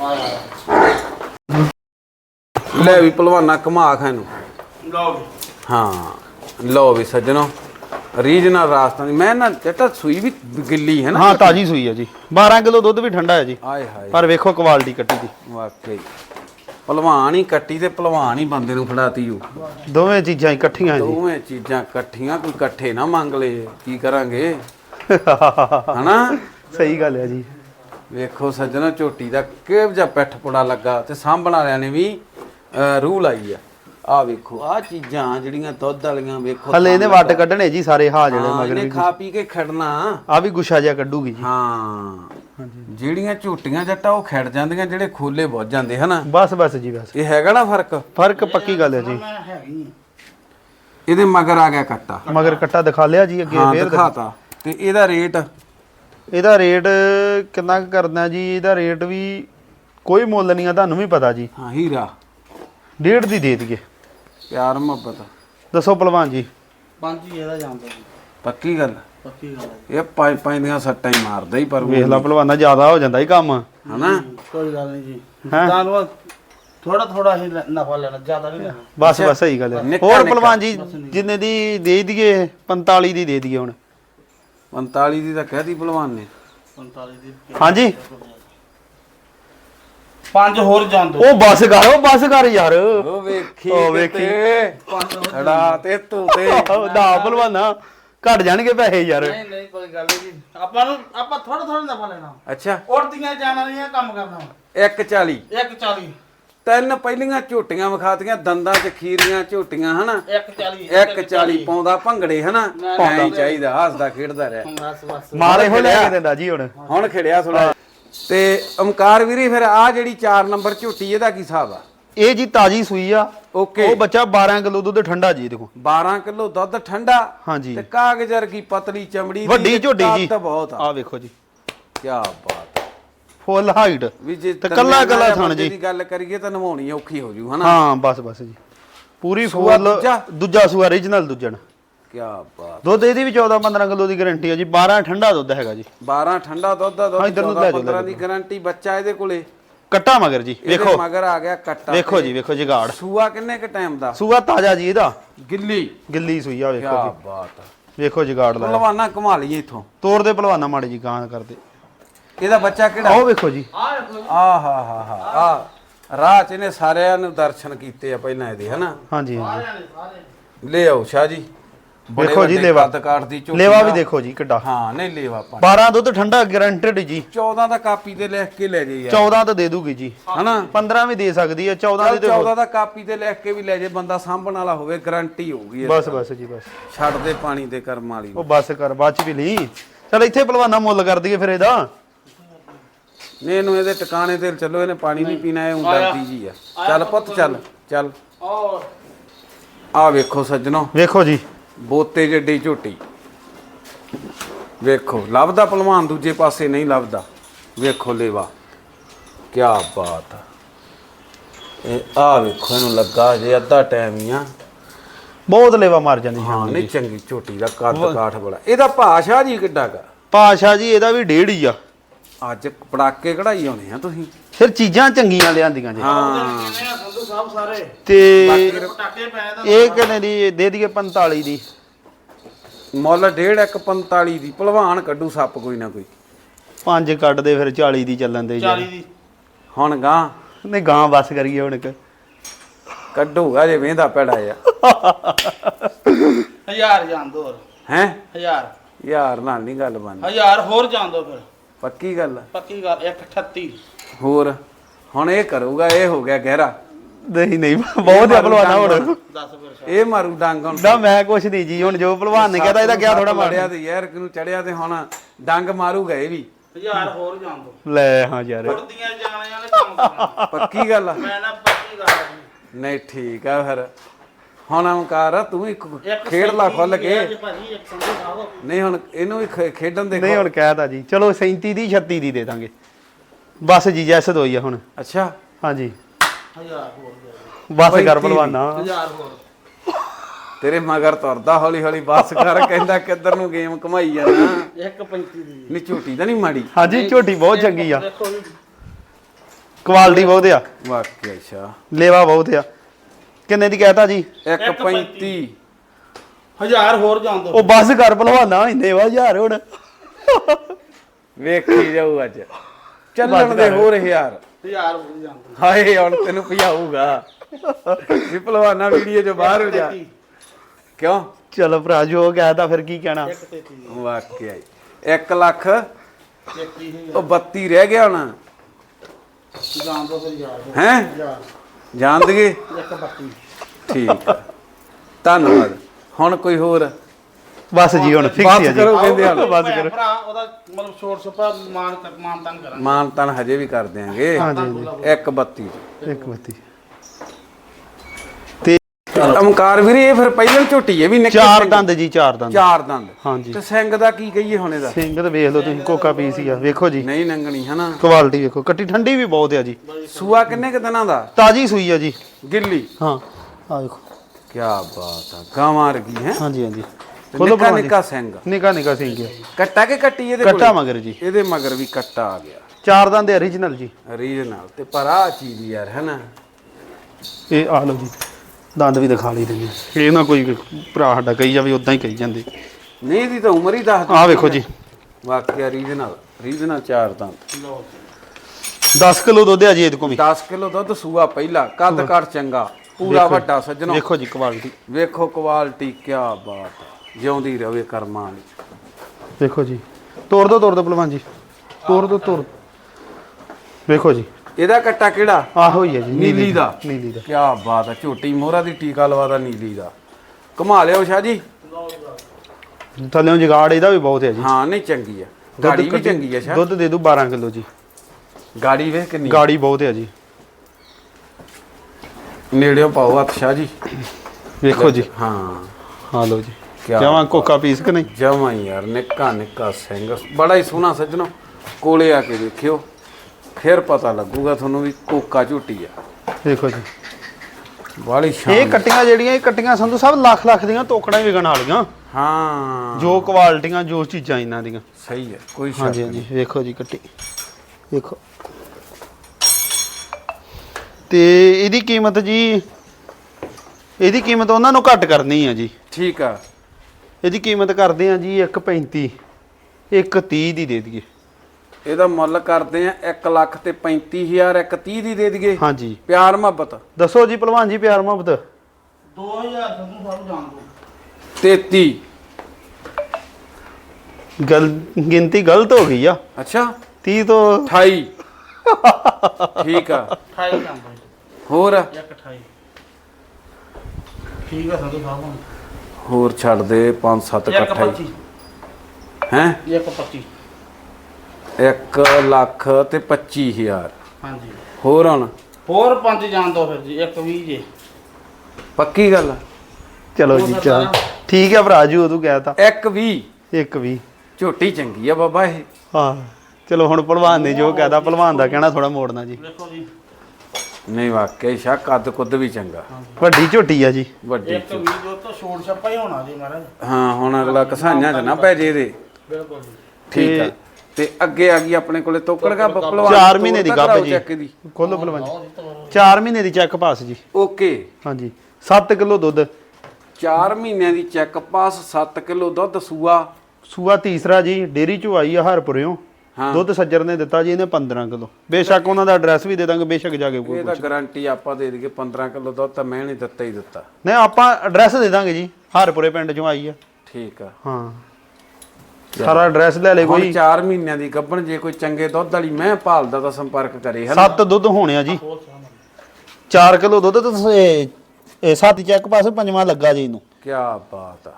Speaker 1: ਲੈ ਵੀ ਭਲਵਾਨਾ ਘੁਮਾ ਖਾ ਇਹਨੂੰ।
Speaker 3: ਲਓ ਜੀ।
Speaker 1: ਹਾਂ ਲਓ ਵੀ ਸੱਜਣੋ, ਰੀਜਨਲ ਰਾਜਸਥਾਨ ਦੀ। ਮੈਂ ਨਾ ਚੱਟਾ ਸੂਈ ਵੀ ਗਿੱਲੀ ਹੈ ਨਾ।
Speaker 2: ਹਾਂ, ਤਾਜੀ ਸੂਈ ਆ ਜੀ। 12 ਕਿਲੋ ਦੁੱਧ ਵੀ ਠੰਡਾ ਹੈ ਜੀ।
Speaker 1: ਆਏ ਹਾਏ,
Speaker 2: ਪਰ ਵੇਖੋ ਕੁਆਲਿਟੀ ਕੱਟੀ ਦੀ।
Speaker 1: ਵਾਕਈ ਭਲਵਾਨ ਹੀ ਕੱਟੀ ਤੇ ਭਲਵਾਨ ਹੀ ਬੰਦੇ ਨੂੰ ਫੜਾਤੀ ਉਹ।
Speaker 2: ਦੋਵੇਂ ਚੀਜ਼ਾਂ ਇਕੱਠੀਆਂ ਜੀ।
Speaker 1: ਦੋਵੇਂ ਚੀਜ਼ਾਂ ਇਕੱਠੀਆਂ, ਕੋਈ ਇਕੱਠੇ ਨਾ ਮੰਗ ਲਏ, ਕੀ ਕਰਾਂਗੇ ਹਨਾ।
Speaker 2: ਸਹੀ ਗੱਲ ਹੈ ਜੀ।
Speaker 1: ਵੇਖੋ ਸੱਜਣੋ, ਝੋਟੀ ਦਾ ਕਿਹੋ ਜਿਹਾ ਪਿੱਠ ਪੁੜਾ ਲੱਗਾ ਤੇ ਸਾਂਭਣ ਵਾਲਿਆਂ ਨੇ ਵੀ ਰੂਹ ਲਾਈ ਆ। ਆ ਵੇਖੋ ਆ ਚੀਜ਼ਾਂ ਜਿਹੜੀਆਂ ਦੁੱਧ ਵਾਲੀਆਂ, ਵੇਖੋ
Speaker 2: ਹਲੇ ਇਹਨੇ ਵੱਟ ਕੱਢਣੇ ਜੀ ਸਾਰੇ। ਹਾਂ ਜਿਹੜੇ
Speaker 1: ਹਾਂ,
Speaker 2: ਮਗਰ
Speaker 1: ਇਹਨੇ
Speaker 2: ਵੀ
Speaker 1: ਖਾ ਪੀ ਕੇ ਖੜਨਾ।
Speaker 2: ਆ ਵੀ ਗੁੱਛਾ ਜਿਹਾ ਕੱਢੂਗੀ ਜੀ।
Speaker 1: ਹਾਂ, ਜਿਹੜੀਆਂ ਝੋਟੀਆਂ ਜੱਟਾ ਉਹ ਖੜ ਜਾਂਦੀਆਂ, ਜਿਹੜੇ ਖੋਲੇ ਵੱਜ ਜਾਂਦੇ ਹਨਾ।
Speaker 2: ਬਸ ਬਸ ਜੀ ਬਸ।
Speaker 1: ਇਹ ਹੈਗਾ ਨਾ ਫਰਕ।
Speaker 2: ਫਰਕ ਪੱਕੀ ਗੱਲ ਹੈ ਜੀ।
Speaker 3: ਮੈਂ ਹੈਗੀ ਆ।
Speaker 1: ਇਹਦੇ ਮਗਰ ਆ ਗਿਆ ਕੱਟਾ।
Speaker 2: ਮਗਰ ਕੱਟਾ ਦਿਖਾ ਲਿਆ ਜੀ ਅੱਗੇ
Speaker 1: ਹਾਂ
Speaker 2: ਫੇਰ।
Speaker 1: ਦਿਖਾਤਾ। ਤੇ ਇਹਦਾ ਰੇਟ?
Speaker 2: ਇਹਦਾ ਰੇਟ ਕਿੰਨਾ ਕੁ ਕਰਨਾ ਜੀ? ਇਹਦਾ ਰੇਟ ਵੀ ਕੋਈ ਮੁੱਲ ਨਹੀਂ ਆ, ਤੁਹਾਨੂੰ ਵੀ ਪਤਾ ਜੀ।
Speaker 1: ਹਾਂ ਹੀਰਾ
Speaker 2: 1.5 ਦੀ ਦੇ ਦਈਏ।
Speaker 1: ਪਿਆਰ ਮੁਹੱਬਤ
Speaker 2: ਦੱਸੋ ਭਲਵਾਨ ਜੀ।
Speaker 3: 5 ਹੀ ਇਹਦਾ ਜਾਂਦਾ ਜੀ।
Speaker 1: ਪੱਕੀ ਗੱਲ।
Speaker 3: ਪੱਕੀ ਗੱਲ ਹੈ।
Speaker 1: ਇਹ ਪੰਜ ਪੰਜ ਦੀਆਂ ਸੱਟਾਂ ਹੀ ਮਾਰਦਾ ਹੀ, ਪਰ ਉਹ
Speaker 2: ਵੇਖ ਲਾ ਭਲਵਾਨਾ ਜ਼ਿਆਦਾ ਹੋ ਜਾਂਦਾ ਹੀ ਕੰਮ।
Speaker 1: ਹਨਾ।
Speaker 3: ਕੋਈ ਗੱਲ ਨਹੀਂ ਜੀ।
Speaker 2: ਹੈਂ?
Speaker 3: ਤੁਹਾਨੂੰ ਥੋੜਾ ਥੋੜਾ ਹੀ ਨਫਾ ਲੈਣਾ, ਜ਼ਿਆਦਾ ਨਹੀਂ ਲੈਣਾ।
Speaker 2: ਬਸ ਬਸ ਸਹੀ ਗੱਲ ਹੈ।
Speaker 1: ਨਿੱਕਾ
Speaker 2: ਹੋਰ
Speaker 1: ਨਿੱਕਾ।
Speaker 2: ਭਲਵਾਨ ਜੀ ਜਿੰਨੇ ਦੀ ਦੇ ਦਈਏ? 45 ਦੀ ਦੇ ਦਈਏ ਹੁਣ।
Speaker 1: 45 ਦੀ ਤਾਂ ਕਹਿਦੀ ਭਲਵਾਨ ਨੇ।
Speaker 3: 45 ਦੀ।
Speaker 2: ਹਾਂਜੀ
Speaker 3: 5 ਹੋਰ ਜਾਂਦੋ।
Speaker 2: ਉਹ ਬੱਸ ਕਰ ਯਾਰ।
Speaker 1: ਉਹ ਵੇਖੀ
Speaker 2: ਉਹ ਵੇਖੀ।
Speaker 1: ਕਿਤੇ ਖੜਾ ਤੇ ਤੂੰ ਤੇ
Speaker 2: ਦਾ ਭਲਵਾਨਾ ਘਟ ਜਾਣਗੇ ਪੈਸੇ ਯਾਰ।
Speaker 3: ਨਹੀਂ ਨਹੀਂ ਕੋਈ ਗੱਲ ਨਹੀਂ ਜੀ। ਆਪਾਂ ਥੋੜਾ ਥੋੜਾ ਨਫਾ ਲੈਣਾ।
Speaker 1: ਅੱਛਾ,
Speaker 3: ਉੜਦੀਆਂ ਜਾਣਾ ਨਹੀਂ ਕੰਮ ਕਰਨਾ।
Speaker 1: 140
Speaker 3: 140
Speaker 1: ਤਿੰਨ ਪਹਿਲੀਆਂ ਝੋਟੀਆਂ ਵਿਖਾਤੀਆਂ, ਦੰਦਾਂ 'ਚ ਖੀਰੀਆਂ ਝੋਟੀਆਂ ਹਨਾ।
Speaker 3: 140
Speaker 1: 140 ਪਾਉਂਦਾ ਭੰਗੜੇ ਹਨਾ। ਐਂ ਹੀ ਚਾਹੀਦਾ, ਹੱਸਦਾ ਖੇਡਦਾ ਰਿਹਾ।
Speaker 3: ਬਸ ਬਸ।
Speaker 2: ਮਾਲ ਇਹੋ ਲੈ ਕੇ ਦਿੰਦਾ ਜੀ ਹੁਣ।
Speaker 1: ਹੁਣ ਖਿੜਿਆ ਥੋੜਾ। ਤੇ ਓਮਕਾਰ ਵੀਰੇ, ਫਿਰ ਆ ਜਿਹੜੀ 4 ਨੰਬਰ ਝੋਟੀ, ਇਹਦਾ ਕੀ ਹਿਸਾਬ ਆ?
Speaker 2: ਇਹ ਜੀ ਤਾਜੀ ਸੂਈ ਆ।
Speaker 1: ਓਕੇ,
Speaker 2: ਉਹ ਬੱਚਾ 12 ਕਿਲੋ ਦੁੱਧ ਠੰਡਾ ਜੀ। ਦੇਖੋ
Speaker 1: 12 ਕਿਲੋ ਦੁੱਧ ਠੰਡਾ।
Speaker 2: ਹਾਂਜੀ।
Speaker 1: ਤੇ ਕਾਗਜ਼ ਵਰਗੀ ਪਤਲੀ ਚਮੜੀ ਦੀ,
Speaker 2: ਵੱਡੀ ਝੋਟੀ ਜੀ।
Speaker 1: ਤਾਂ ਬਹੁਤ ਆ।
Speaker 2: ਆ ਵੇਖੋ ਜੀ,
Speaker 1: ਕੀ ਬਾਤ।
Speaker 2: ਫੁੱਲ ਹਾਈਟ
Speaker 1: ਵੀ ਜੇ
Speaker 2: ਤੇ ਕੱਲਾ ਕੱਲਾ ਥਣ ਜੀ
Speaker 1: ਦੀ ਗੱਲ ਕਰੀਏ ਤਾਂ ਨਵਾਉਣੀ ਔਖੀ ਹੋ ਜੂ ਹਨਾ।
Speaker 2: ਹਾਂ ਬਸ ਬਸ ਜੀ, ਪੂਰੀ
Speaker 1: ਸੂਆ
Speaker 2: ਫੁੱਲ।
Speaker 1: ਦੂਜਾ?
Speaker 2: ਦੂਜਾ ਸੂਆ ਓਰੀਜਨਲ ਦੂਜਣ।
Speaker 1: ਕੀ ਬਾਤ।
Speaker 2: ਦੁੱਧ ਇਹਦੀ ਵੀ 14-15 ਕਿਲੋ ਦੀ ਗਾਰੰਟੀ ਹੈ ਜੀ। 12 ਠੰਡਾ ਦੁੱਧ ਹੈਗਾ ਜੀ।
Speaker 1: 12 ਠੰਡਾ ਦੁੱਧ ਦਾ,
Speaker 2: ਹਾਂ, ਇੱਧਰ ਨੂੰ
Speaker 1: ਦੁੱਧ
Speaker 2: ਲੈ ਜਾਓ,
Speaker 1: 15 ਦੀ ਗਾਰੰਟੀ। ਬੱਚਾ ਇਹਦੇ ਕੋਲੇ
Speaker 2: ਕੱਟਾ ਮਗਰ ਜੀ।
Speaker 1: ਇਹਦੇ
Speaker 2: ਵੇਖੋ
Speaker 1: ਮਗਰ ਆ ਗਿਆ ਕੱਟਾ।
Speaker 2: ਵੇਖੋ ਜੀ, ਵੇਖੋ ਜਗਾੜ।
Speaker 1: ਸੂਆ ਕਿੰਨੇ ਕ ਟਾਈਮ ਦਾ?
Speaker 2: ਸੂਆ ਤਾਜ਼ਾ ਜੀ ਇਹਦਾ।
Speaker 1: ਗਿੱਲੀ।
Speaker 2: ਗਿੱਲੀ ਸੂਈ ਆ।
Speaker 1: ਕੀ
Speaker 2: ਵੇਖੋ ਜੀ,
Speaker 1: ਬਾਤ।
Speaker 2: ਵੇਖੋ ਜਗਾੜ ਲਾ।
Speaker 1: ਭਲਵਾਨਾ ਘੁਮਾ ਲਈਏ ਇੱਥੋਂ।
Speaker 2: ਤੋੜ ਦੇ ਭਲਵਾਨਾ ਮਾੜੇ ਜੀ ਗਾਂ ਕਰਦੇ।
Speaker 1: ਇਹਦਾ ਬੱਚਾ ਕਿਹੜਾ?
Speaker 2: ਆਓ ਵੇਖੋ ਜੀ।
Speaker 3: ਆ ਦੇਖੋ ਜੀ।
Speaker 1: ਆ ਹਾ ਹਾ ਹਾ ਆ ਰਾਹ 'ਚ ਇਹਨੇ ਸਾਰਿਆਂ ਨੂੰ ਦਰਸ਼ਨ ਕੀਤੇ ਆ ਪਹਿਲਾਂ ਇਹਦੇ ਹਨਾ।
Speaker 2: ਹਾਂਜੀ
Speaker 3: ਸਾਰਿਆਂ ਨੇ ਸਾਰੇ
Speaker 1: ਲੈ ਆਓ ਸ਼ਾਹ ਜੀ। ਬੜੇ
Speaker 2: ਦੇਖੋ ਜੀ
Speaker 1: ਵੱਡੇ
Speaker 2: ਲੇਵਾ।
Speaker 1: ਕੱਦ ਕਾਠ ਦੀ ਝੋਟੀ
Speaker 2: ਲੇਵਾ
Speaker 1: ਆ।
Speaker 2: ਵੀ ਦੇਖੋ ਜੀ ਕਿੱਡਾ।
Speaker 1: ਹਾਂ ਨਹੀਂ ਲੇਵਾ ਪਾ
Speaker 2: 12 ਦੁੱਧ ਠੰਡਾ ਗਰੰਟਡ ਜੀ।
Speaker 1: 14 ਦਾ ਕਾਪੀ ਤੇ ਲਿਖ ਕੇ ਲੈ ਜੇ ਯਾਰ
Speaker 2: 14 ਤਾਂ ਦੇ ਦੂਗੀ ਜੀ।
Speaker 1: ਹਨਾ।
Speaker 2: 15 ਵੀ ਦੇ ਸਕਦੀ ਹੈ 14 ਦੀ ਤੇ
Speaker 1: 14 ਦਾ ਕਾਪੀ ਤੇ ਲਿਖ ਕੇ ਵੀ ਲੈ ਜੇ ਬੰਦਾ ਸਾਂਭਣ ਵਾਲਾ ਹੋਵੇ ਗਾਰੰਟੀ ਹੋਊਗੀ ਇਹਦੀ।
Speaker 2: ਬਸ ਬਸ ਜੀ ਬਸ।
Speaker 1: ਛੱਡ ਦੇ ਪਾਣੀ ਦੇ ਕਰਮ ਵਾਲੀ
Speaker 2: ਉਹ ਬਸ ਕਰ ਬਾਅਦ ਚ ਵੀ ਲਈ। ਚਲ ਇੱਥੇ ਭਲਵਾਨਾ ਮੁੱਲ ਕਰ ਦਈਏ ਫਿਰ ਇਹਦਾ।
Speaker 1: ਨੇ ਇਹਨੂੰ ਇਹਦੇ ਟਿਕਾਣੇ ਤੇ ਚੱਲੋ ਇਹਨੇ ਪਾਣੀ ਨਹੀਂ ਪੀਣਾ ਇਹ ਉਂਡਰਦੀ ਜੀ ਆ। ਚੱਲ ਪੁੱਤ ਚੱਲ ਚੱਲ।
Speaker 3: ਔਰ
Speaker 1: ਆ ਵੇਖੋ ਸੱਜਣੋ
Speaker 2: ਵੇਖੋ ਜੀ
Speaker 1: ਬੋਤੇ ਜੱਡੀ ਝੋਟੀ ਵੇਖੋ ਲੱਭਦਾ ਭਲਵਾਨ ਦੂਜੇ ਪਾਸੇ ਨਹੀਂ ਲੱਭਦਾ। ਵੇਖੋ ਲੇਵਾ ਕੀ ਬਾਤ ਆ। ਇਹ ਆ ਵੇਖੋ ਇਹਨੂੰ ਲੱਗਾ ਜੇ ਅੱਧਾ ਟਾਈਮ ਹੀ ਆ।
Speaker 2: ਬਹੁਤ ਲੇਵਾ ਮਾਰ ਜਾਂਦੀ
Speaker 1: ਹਾਂ ਨਹੀਂ ਚੰਗੀ ਝੋਟੀ ਦਾ ਕੱਦ ਕਾਠ ਬੜਾ। ਇਹਦਾ ਭਾਸ਼ਾ ਜੀ ਕਿੱਡਾ ਗਾ।
Speaker 2: ਪਾਸ਼ਾ ਜੀ ਇਹਦਾ ਵੀ 1.5 ਹੀ ਆ।
Speaker 1: ਅੱਜ ਪੜਾਕੇ ਕਢਾਈ ਆਉਣੇ ਆ ਤੁਸੀਂ।
Speaker 2: ਫਿਰ ਚੀਜ਼ਾਂ ਚੰਗੀਆਂ ਲਿਆਂਦੀਆਂ ਜੀ।
Speaker 1: ਹਾਂ
Speaker 3: ਕਿਵੇਂ ਆ ਸੰਧੂ ਸਾਹਿਬ ਸਾਰੇ
Speaker 2: ਤੇ
Speaker 3: ਪਟਾਕੇ ਪਏ ਤਾਂ
Speaker 2: ਇਹ ਕਿੰਨੇ ਦੀ ਦੇ ਦਈਏ 45 ਦੀ।
Speaker 1: ਮੁੱਲ 1.5 1 45 ਦੀ ਭਲਵਾਨ ਕੱਢੂ ਸੱਪ ਕੋਈ ਨਾ ਕੋਈ।
Speaker 2: 5 ਕੱਢਦੇ ਫਿਰ 40 ਦੀ ਚੱਲਣ ਦੇ
Speaker 3: 40 ਦੀ
Speaker 1: ਹੁਣ ਗਾਂ
Speaker 2: ਨਹੀਂ ਗਾਂ ਬਸ ਕਰੀਏ ਹੁਣ ਇੱਕ।
Speaker 1: ਕੱਢੂਗਾ ਜੇ ਵੇਂਦਾ ਪੈੜਾ ਆ
Speaker 3: 1000 ਜਾਣ ਦੋ ਹੋਰ
Speaker 1: ਹੈ
Speaker 3: 1000
Speaker 1: ਯਾਰ ਨਾਲ ਨਹੀਂ ਗੱਲ ਬਣਦੀ।
Speaker 3: 1000 ਹੋਰ ਜਾਣ ਦੋ ਫਿਰ
Speaker 1: ਪੱਕੀ ਗੱਲ ਆ।
Speaker 3: ਪੱਕੀ ਗੱਲ 138
Speaker 1: ਹੋਰ ਹੁਣ ਇਹ ਕਰੂਗਾ ਇਹ ਹੋ ਗਿਆ ਗਹਿਰਾ।
Speaker 2: ਨਹੀਂ ਨਹੀਂ ਬਹੁਤ ਆ ਭਲਵਾਨਾ ਹੁਣ।
Speaker 3: 10 ਫਿਰ
Speaker 1: ਇਹ ਮਾਰੂ ਡੰਗ ਹੁਣ।
Speaker 2: ਨਾ ਮੈਂ ਕੁਛ ਨਹੀਂ ਜੀ ਹੁਣ ਜੋ ਭਲਵਾਨ ਨੇ ਕਹਤਾ ਇਹਦਾ ਕਿਆ ਥੋੜਾ
Speaker 1: ਮਾਰਿਆ
Speaker 2: ਮਾਰਿਆ
Speaker 1: ਤੇ ਯਾਰ ਕਿਨੂੰ ਚੜਿਆ ਤੇ ਹੁਣ ਡੰਗ ਮਾਰੂਗਾ ਇਹ ਵੀ।
Speaker 3: 1000 ਹੋਰ ਜਾਣ ਦੋ
Speaker 2: ਲੈ ਹਾਂ ਯਾਰ
Speaker 3: ਕੁੜਦੀਆਂ ਜਾਣਿਆਂ ਨੇ ਕੰਮ ਕਰਨਾ।
Speaker 1: ਪੱਕੀ ਗੱਲ ਆ।
Speaker 3: ਮੈਂ ਨਾ ਪੱਕੀ ਗੱਲ ਆ ਜੀ।
Speaker 1: ਨਹੀਂ ਠੀਕ ਆ ਫਿਰ ਹੁਣ ਓਮਕਾਰ ਤੂੰ ਇੱਕ
Speaker 3: ਇੱਕ
Speaker 1: ਖੇਡ ਲਾ ਖੁੱਲ ਕੇ।
Speaker 3: ਜੀ ਭਾਜੀ ਇੱਕ ਸੰਧੂ ਸਾਹਿਬ
Speaker 1: ਨਹੀਂ ਹੁਣ ਇਹਨੂੰ ਵੀ ਖੇਡਣ ਦੇ।
Speaker 2: ਨਹੀਂ ਹੁਣ ਕਹਿਤਾ ਜੀ ਚਲੋ 37 ਦੀ 36 ਦੀ ਦੇ ਦਾਂਗੇ ਬਸ ਜੀ ਜੈਸ ਦੋਈ ਆ ਹੁਣ।
Speaker 1: ਅੱਛਾ
Speaker 2: ਹਾਂਜੀ
Speaker 3: 1000 ਹੋਰ ਜਾਣ
Speaker 2: ਬਸ ਕਰ
Speaker 1: 35
Speaker 2: ਭਲਵਾਨਾ
Speaker 3: 1000 ਹੋਰ
Speaker 1: ਤੇਰੇ ਮਗਰ ਤੁਰਦਾ ਹੌਲੀ ਹੌਲੀ ਬੱਸ ਕਰ ਕਹਿੰਦਾ ਕਿੱਧਰ ਨੂੰ ਗੇਮ ਘਮਾਈ ਜਾਣਾ।
Speaker 3: 135 ਦੀ
Speaker 1: ਨਹੀਂ ਝੂਟੀ ਤਾਂ ਨਹੀਂ ਮਾੜੀ।
Speaker 2: ਹਾਂਜੀ ਝੋਟੀ ਬਹੁਤ ਚੰਗੀ ਆ।
Speaker 3: ਦੇਖੋ ਜੀ
Speaker 2: ਕੁਆਲਿਟੀ ਬਹੁਤ ਆ।
Speaker 1: ਵਾਕਿਆ ਅੱਛਾ
Speaker 2: ਲੇਵਾ ਬਹੁਤ ਆ। ਕਿੰਨੇ ਦੀ ਕਹਿਤਾ ਜੀ?
Speaker 1: 135
Speaker 3: 1000 ਹੋਰ ਜਾਣ ਦੋ
Speaker 2: ਉਹ ਬਸ ਕਰ ਭਲਵਾਨਾ ਇੰਨੇ ਵਾ ਯਾਰ ਹੁਣ।
Speaker 1: ਵੇਖੀ ਜਾਊ ਅੱਜ ਚੱਲਣ ਦੇ ਹੋਰ ਯਾਰ।
Speaker 3: 1000 ਹੋਰ ਜਾਣ ਦੋ
Speaker 1: ਹਾਏ ਹੁਣ ਤੈਨੂੰ ਭਜਾਊਗਾ ਵੀ ਭਲਵਾਨਾ ਵੀਡੀਓ ਚੋਂ ਬਾਹਰ ਹੋ ਜਾ। ਕਿਉਂ
Speaker 2: ਚਲੋ ਭਰਾ ਜੋ ਕਹਿਤਾ ਫਿਰ ਕੀ ਕਹਿਣਾ।
Speaker 3: 133
Speaker 1: ਵਾਕਿਆ 1 ਲੱਖ
Speaker 3: 31000
Speaker 1: ਉਹ 32 ਰਹਿ ਗਿਆ ਹੁਣ
Speaker 3: ਜਾਣ ਦੋ ਫਿਰ 1000
Speaker 1: ਹੈ
Speaker 3: 1000
Speaker 1: ਜਾਣ ਦਈਏ।
Speaker 3: 132
Speaker 1: ਠੀਕ ਆ ਧੰਨਵਾਦ। ਹੁਣ ਕੋਈ ਹੋਰ
Speaker 2: ਬਸ ਜੀ ਹੁਣ ਫਿਕਸ
Speaker 1: ਬਸ
Speaker 2: ਆ ਜੀ
Speaker 1: ਕਰੋ ਕਹਿੰਦੇ ਹਾਲ।
Speaker 2: ਬਸ ਕਰੋ।
Speaker 3: ਭਰਾ ਉਹਦਾ ਮਤਲਬ ਸ਼ੋਰ ਸੁਪਾ ਮਾਨ ਤੰਗ ਕਰਾਂਗੇ।
Speaker 1: ਮਾਨ ਤਾਨ ਹਜੇ ਵੀ ਕਰ ਦਿਆਂਗੇ।
Speaker 2: ਹਾਂਜੀ
Speaker 1: 132
Speaker 2: ਇੱਕ ਬੱਤੀ ਤੇ
Speaker 1: ਓਮਕਾਰ ਵੀਰੇ ਇਹ ਫਿਰ ਪਹਿਲਾਂ ਝੋਟੀ ਹੈ ਵੀ ਨਿੱਕੇ
Speaker 2: ਚਾਰ
Speaker 1: ਸਿੰਘ।
Speaker 2: ਦੰਦ ਜੀ ਚਾਰ ਦੰਦ।
Speaker 1: ਚਾਰ ਦੰਦ
Speaker 2: ਹਾਂਜੀ
Speaker 1: ਤੇ ਸਿੰਘ ਦਾ ਕੀ ਕਹੀਏ ਹੁਣ ਇਹਦਾ।
Speaker 2: ਸਿੰਘ ਤੇ ਵੇਖ ਲਓ ਤੁਸੀਂ ਕੋਕਾ ਪੀਸ ਹੀ ਆ ਵੇਖੋ ਜੀ
Speaker 1: ਨਹੀਂ ਨੰਗਣੀ ਹਨਾ।
Speaker 2: ਕੁਆਲਿਟੀ ਵੇਖੋ ਕੱਟੀ ਠੰਡੀ ਵੀ ਬਹੁਤ ਆ ਜੀ।
Speaker 1: ਸੂਆ ਕਿੰਨੇ ਕੁ ਦਿਨਾਂ ਦਾ।
Speaker 2: ਤਾਜੀ ਸੂਈ ਆ ਜੀ।
Speaker 1: ਗਿੱਲੀ
Speaker 2: ਹਾਂ ਆ ਵੇਖੋ
Speaker 1: ਕੀ ਬਾਤ ਆ ਗਾਵਾਂ ਵਰਗੀ ਹੈ।
Speaker 2: ਹਾਂਜੀ ਹਾਂਜੀ
Speaker 1: ਨਿੱਕਾ ਨਿੱਕਾ ਸਿੰਘ
Speaker 2: ਨਿੱਕਾ ਨਿੱਕਾ ਸਿੰਘ ਆ।
Speaker 1: ਕੱਟਾ ਕੇ ਕੱਟੀ ਇਹਦੇ
Speaker 2: ਕੱਟਾ
Speaker 1: ਕੋਲੇ?
Speaker 2: ਮਗਰ ਜੀ
Speaker 1: ਇਹਦੇ ਮਗਰ ਵੀ ਕੱਟਾ ਆ ਗਿਆ
Speaker 2: ਚਾਰ ਦੰਦ origignal ਜੀ।
Speaker 1: ਰੀਜਨਲ ਤੇ ਪਰ ਆ ਚੀਜ਼ ਯਾਰ ਹੈ ਨਾ।
Speaker 2: ਇਹ ਆ ਲਓ ਜੀ ਦੰਦ ਵੀ ਦਿਖਾ ਲਈ ਦਿੰਦੇ ਇਹ ਨਾ ਕੋਈ ਭਰਾ ਸਾਡਾ ਕਹੀ ਜਾਵੇ ਉਦਾਂ ਹੀ ਕਹੀ ਜਾਂਦੇ।
Speaker 1: ਨਹੀਂ ਇਹਦੀ ਤਾਂ ਉਮਰ ਹੀ ਦੱਸ
Speaker 2: ਆ ਵੇਖੋ ਜੀ
Speaker 1: ਵਾਕਿਆ ਰੀਜਨਲ ਚਾਰ ਦੰਦ
Speaker 2: 10 ਕਿਲੋ ਦੁੱਧ ਆ ਜੀ ਇਹਦੇ ਕੋਲ ਵੀ।
Speaker 1: 10 ਕਿਲੋ ਦੁੱਧ ਸੂਆ ਪਹਿਲਾ ਕੱਦ ਕੱਟ ਚੰਗਾ ਪੂਰਾ ਵੱਡਾ ਸੱਜਣੋ।
Speaker 2: ਵੇਖੋ ਜੀ ਕੁਆਲਿਟੀ
Speaker 1: ਵੇਖੋ ਕੁਆਲਿਟੀ ਕੀ ਬਾਤ ਆ। ਜਿਉਂਦੀ ਰਵੇ ਕਰਮਾਂ ਵਾਲੀ।
Speaker 2: ਵੇਖੋ ਜੀ ਤੋੜ ਦੋ ਭਲਵਾਨ ਜੀ ਤੋੜ ਦੋ ਵੇਖੋ ਜੀ
Speaker 1: ਇਹਦਾ ਕੱਟਾ ਕਿਹੜਾ।
Speaker 2: ਆਹੋ ਹੀ ਹੈ ਜੀ
Speaker 1: ਨੀਲੀ ਦਾ।
Speaker 2: ਨੀਲੀ ਦਾ
Speaker 1: ਕੀ ਬਾਤ ਆ। ਝੋਟੀ ਮੋਹਰਾ ਦੀ ਟੀਕਾ ਲਵਾਦਾ ਨੀਲੀ ਦਾ। ਘੁਮਾ ਲਿਓ ਸ਼ਾਹ ਜੀ।
Speaker 2: ਥੱਲੇੋਂ ਜਗਾੜ ਇਹਦਾ ਵੀ ਬਹੁਤ ਹੈ ਜੀ।
Speaker 1: ਹਾਂ ਨਹੀਂ ਚੰਗੀ ਆ ਗਾੜੀ ਵੀ ਚੰਗੀ ਆ ਸ਼ਾਹ।
Speaker 2: ਦੁੱਧ ਦੇ ਦੂ 12 ਕਿਲੋ ਜੀ।
Speaker 1: ਗਾੜੀ ਵੇਖ ਕਿੰਨੀ
Speaker 2: ਗਾੜੀ ਬਹੁਤ ਹੈ ਜੀ।
Speaker 1: ਨੇੜਿਓ ਪਾਓ ਹੱਥ ਸ਼ਾਹ ਜੀ।
Speaker 2: ਵੇਖੋ ਜੀ
Speaker 1: ਹਾਂ
Speaker 2: ਹਾਂ ਲਓ ਜੀ
Speaker 1: ਕਿਆ
Speaker 2: ਜਮਾਂ ਕੋਕਾ ਪੀਸ ਕਿ ਨਹੀਂ।
Speaker 1: ਜਮਾਂ ਹੀ ਯਾਰ ਨਿੱਕਾ ਨਿੱਕਾ ਸਿੰਘ ਬੜਾ ਹੀ ਸੋਹਣਾ ਸੱਜਣੋ। ਕੋਲੇ ਆ ਕੇ ਦੇਖਿਓ ਫਿਰ ਪਤਾ ਲੱਗੂਗਾ ਤੁਹਾਨੂੰ ਵੀ ਕੋਕਾ ਝੋਟੀ ਆ।
Speaker 2: ਦੇਖੋ ਜੀ
Speaker 1: ਬਾਲੀ
Speaker 2: ਇਹ
Speaker 1: ਸ਼ਾਨ।
Speaker 2: ਕੱਟੀਆਂ ਜਿਹੜੀਆਂ ਇਹ ਕੱਟੀਆਂ ਸੰਧੂ ਸਾਹਿਬ ਲੱਖ ਦੀਆਂ ਤੋਕੜਾਂ ਹੀ ਵਿਕਣ ਵਾਲੀਆਂ।
Speaker 1: ਹਾਂ
Speaker 2: ਜੋ ਕੁਆਲਿਟੀਆਂ ਜੋ ਚੀਜ਼ਾਂ ਇਹਨਾਂ ਦੀਆਂ।
Speaker 1: ਸਹੀ ਹੈ ਕੋਈ ਸ਼ੱਕ
Speaker 2: ਹਾਂਜੀ
Speaker 1: ਨਹੀਂ।
Speaker 2: ਹਾਂਜੀ ਵੇਖੋ ਜੀ ਕੱਟੀ ਵੇਖੋ ਤੇ ਇਹਦੀ ਕੀਮਤ ਜੀ ਇਹਦੀ ਕੀਮਤ ਉਹਨਾਂ ਨੂੰ ਘੱਟ ਕਰਨੀ ਆ ਜੀ।
Speaker 1: ਠੀਕ ਆ
Speaker 2: ਇਹਦੀ ਕੀਮਤ ਕਰਦੇ ਆ ਜੀ 1.35 1.30 ਦੀ ਦੇ ਦਈਏ।
Speaker 1: ਇਹਦਾ ਮੁੱਲ ਕਰਦੇ ਆ 1,35,000 1,30 ਦੀ ਦੇ ਦਈਏ।
Speaker 2: ਹਾਂਜੀ
Speaker 1: ਪਿਆਰ ਮੁਹੱਬਤ
Speaker 2: ਦੱਸੋ ਜੀ ਭਲਵਾਨ ਜੀ ਪਿਆਰ ਮੁਹੱਬਤ
Speaker 3: 2000 ਤੁਹਾਨੂੰ ਸਭ ਜਾਣ ਦੋ
Speaker 1: 33
Speaker 2: ਗਿਣਤੀ ਗਲਤ ਹੋ ਗਈ ਆ।
Speaker 1: ਅੱਛਾ
Speaker 2: 30 ਤੋਂ
Speaker 1: 28 ਠੀਕ ਆ
Speaker 3: 28 ਜਾਣ ਦੋ
Speaker 1: ਹੋਰ
Speaker 3: 128 ਠੀਕ ਆ ਸੰਧੂ ਸਾਹਿਬ ਹੁਣ
Speaker 1: ਹੋਰ ਛੱਡ ਦੇ 5-7 ਇਕੱਠਾ
Speaker 3: 125
Speaker 1: ਹੈ
Speaker 3: 125
Speaker 1: 1,25,000
Speaker 3: ਹਾਂਜੀ
Speaker 1: ਹੋਰ ਹੁਣ
Speaker 3: ਹੋਰ 5 ਜਾਣ ਦੋ ਫਿਰ ਜੀ 120 ਜੇ
Speaker 1: ਪੱਕੀ ਗੱਲ ਆ?
Speaker 2: ਚਲੋ ਜੀ ਚਲ ਠੀਕ ਆ ਭਰਾ ਜੀ ਉਦੋਂ ਕਹਿਤਾ
Speaker 1: 1,20
Speaker 2: ਇੱਕ ਵੀ
Speaker 1: ਝੋਟੀ ਚੰਗੀ ਆ ਬਾਬਾ ਇਹ।
Speaker 2: ਹਾਂ ਚਲੋ ਹੁਣ ਭਲਵਾਨ ਨੇ ਜੋ ਕਹਿਤਾ ਭਲਵਾਨ ਦਾ ਕਹਿਣਾ ਥੋੜਾ ਮੋੜਨਾ ਜੀ।
Speaker 3: ਦੇਖੋ ਜੀ
Speaker 1: ਨਹੀਂ ਵਾਕਿਆ ਸ਼ਾ ਕੱਦ ਕੁੱਦ ਵੀ ਚੰਗਾ
Speaker 2: ਵੱਡੀ ਝੋਟੀ ਆ ਜੀ।
Speaker 1: ਵੱਡੀ
Speaker 3: 120 ਜੋ ਤਾਂ ਛੋੜ ਛੱਪਾ ਹੀ ਹੋਣਾ ਜੀ ਮਹਾਰਾਜ
Speaker 1: ਹਾਂ ਹੁਣ ਅਗਲਾ ਕਸਾਈਆਂ ਚ ਨਾ ਪੈ ਜੇ ਇਹਦੇ।
Speaker 3: ਬਿਲਕੁਲ ਜੀ
Speaker 1: ਠੀਕ ਆ ਤੇ ਅੱਗੇ ਆ ਗਈ ਆਪਣੇ ਕੋਲੇ ਤੋਕੜਗਾ ਭਲਵਾਨ
Speaker 2: 4 ਮਹੀਨੇ ਦੀ ਗੱਭ ਜੀ
Speaker 1: ਚੱਕ ਦੀ
Speaker 2: ਖੋਲੋ ਭਲਵਾਨ ਜੀ 4 ਮਹੀਨੇ ਦੀ ਚੈੱਕ ਪਾਸ ਜੀ।
Speaker 1: ਓਕੇ
Speaker 2: ਹਾਂਜੀ 7 ਕਿਲੋ ਦੁੱਧ
Speaker 1: 4 ਮਹੀਨਿਆਂ ਦੀ ਚੈੱਕ ਪਾਸ 7 ਕਿਲੋ ਦੁੱਧ
Speaker 2: ਸੂਆ ਤੀਸਰਾ ਜੀ ਡੇਰੀ ਚੋਂ ਆਈ ਆ ਹਰਪੁਰਿਓਂ।
Speaker 1: ਹਾਂ।
Speaker 2: ਦੁੱਧ ਸੱਜਰ ਨੇ ਦਿੱਤਾ ਜੀ ਇਹਨੇ 15 ਕਿਲੋ। ਬੇਸ਼ੱਕ ਉਹਨਾਂ ਦਾ ਐਡਰੈਸ ਵੀ ਦੇ ਦਾਂਗੇ ਬੇਸ਼ੱਕ ਜਾ ਕੇ ਕੋਈ
Speaker 1: ਇਹ ਤਾਂ ਗਾਰੰਟੀ ਆਪਾਂ ਦੇ ਦਈਏ 15 ਕਿਲੋ ਦੁੱਧ ਤਾਂ ਮੈਂ ਨਹੀਂ ਦਿੱਤਾ ਹੀ ਦਿੱਤਾ।
Speaker 2: ਨਹੀਂ ਆਪਾਂ ਐਡਰੈਸ ਦੇ ਦਾਂਗੇ ਜੀ ਹਰਪੁਰੇ ਪਿੰਡ ਚੋਂ ਆਈ ਆ।
Speaker 1: ਠੀਕ ਆ
Speaker 2: ਹਾਂ ਸਾਰਾ ਐਡਰੈਸ ਲੈ ਲੈ
Speaker 1: ਹੁਣ
Speaker 2: ਕੋਈ
Speaker 1: 4 ਮਹੀਨਿਆਂ ਦੀ ਗੱਭਣ ਜੇ ਕੋਈ ਚੰਗੇ ਦੁੱਧ ਵਾਲੀ ਮੈਂ ਭਾਲਦਾ ਤਾਂ ਸੰਪਰਕ ਕਰੇ ਹਨਾ।
Speaker 2: 7 ਦੁੱਧ ਹੋਣੇ ਆ ਜੀ 4 ਕਿਲੋ ਦੁੱਧ ਤੇ ਇਹ 7 ਚੈੱਕ ਪਾਸ ਪੰਜਵਾਂ ਲੱਗਾ ਜੀ ਇਹਨੂੰ।
Speaker 1: ਕੀ ਬਾਤ ਆ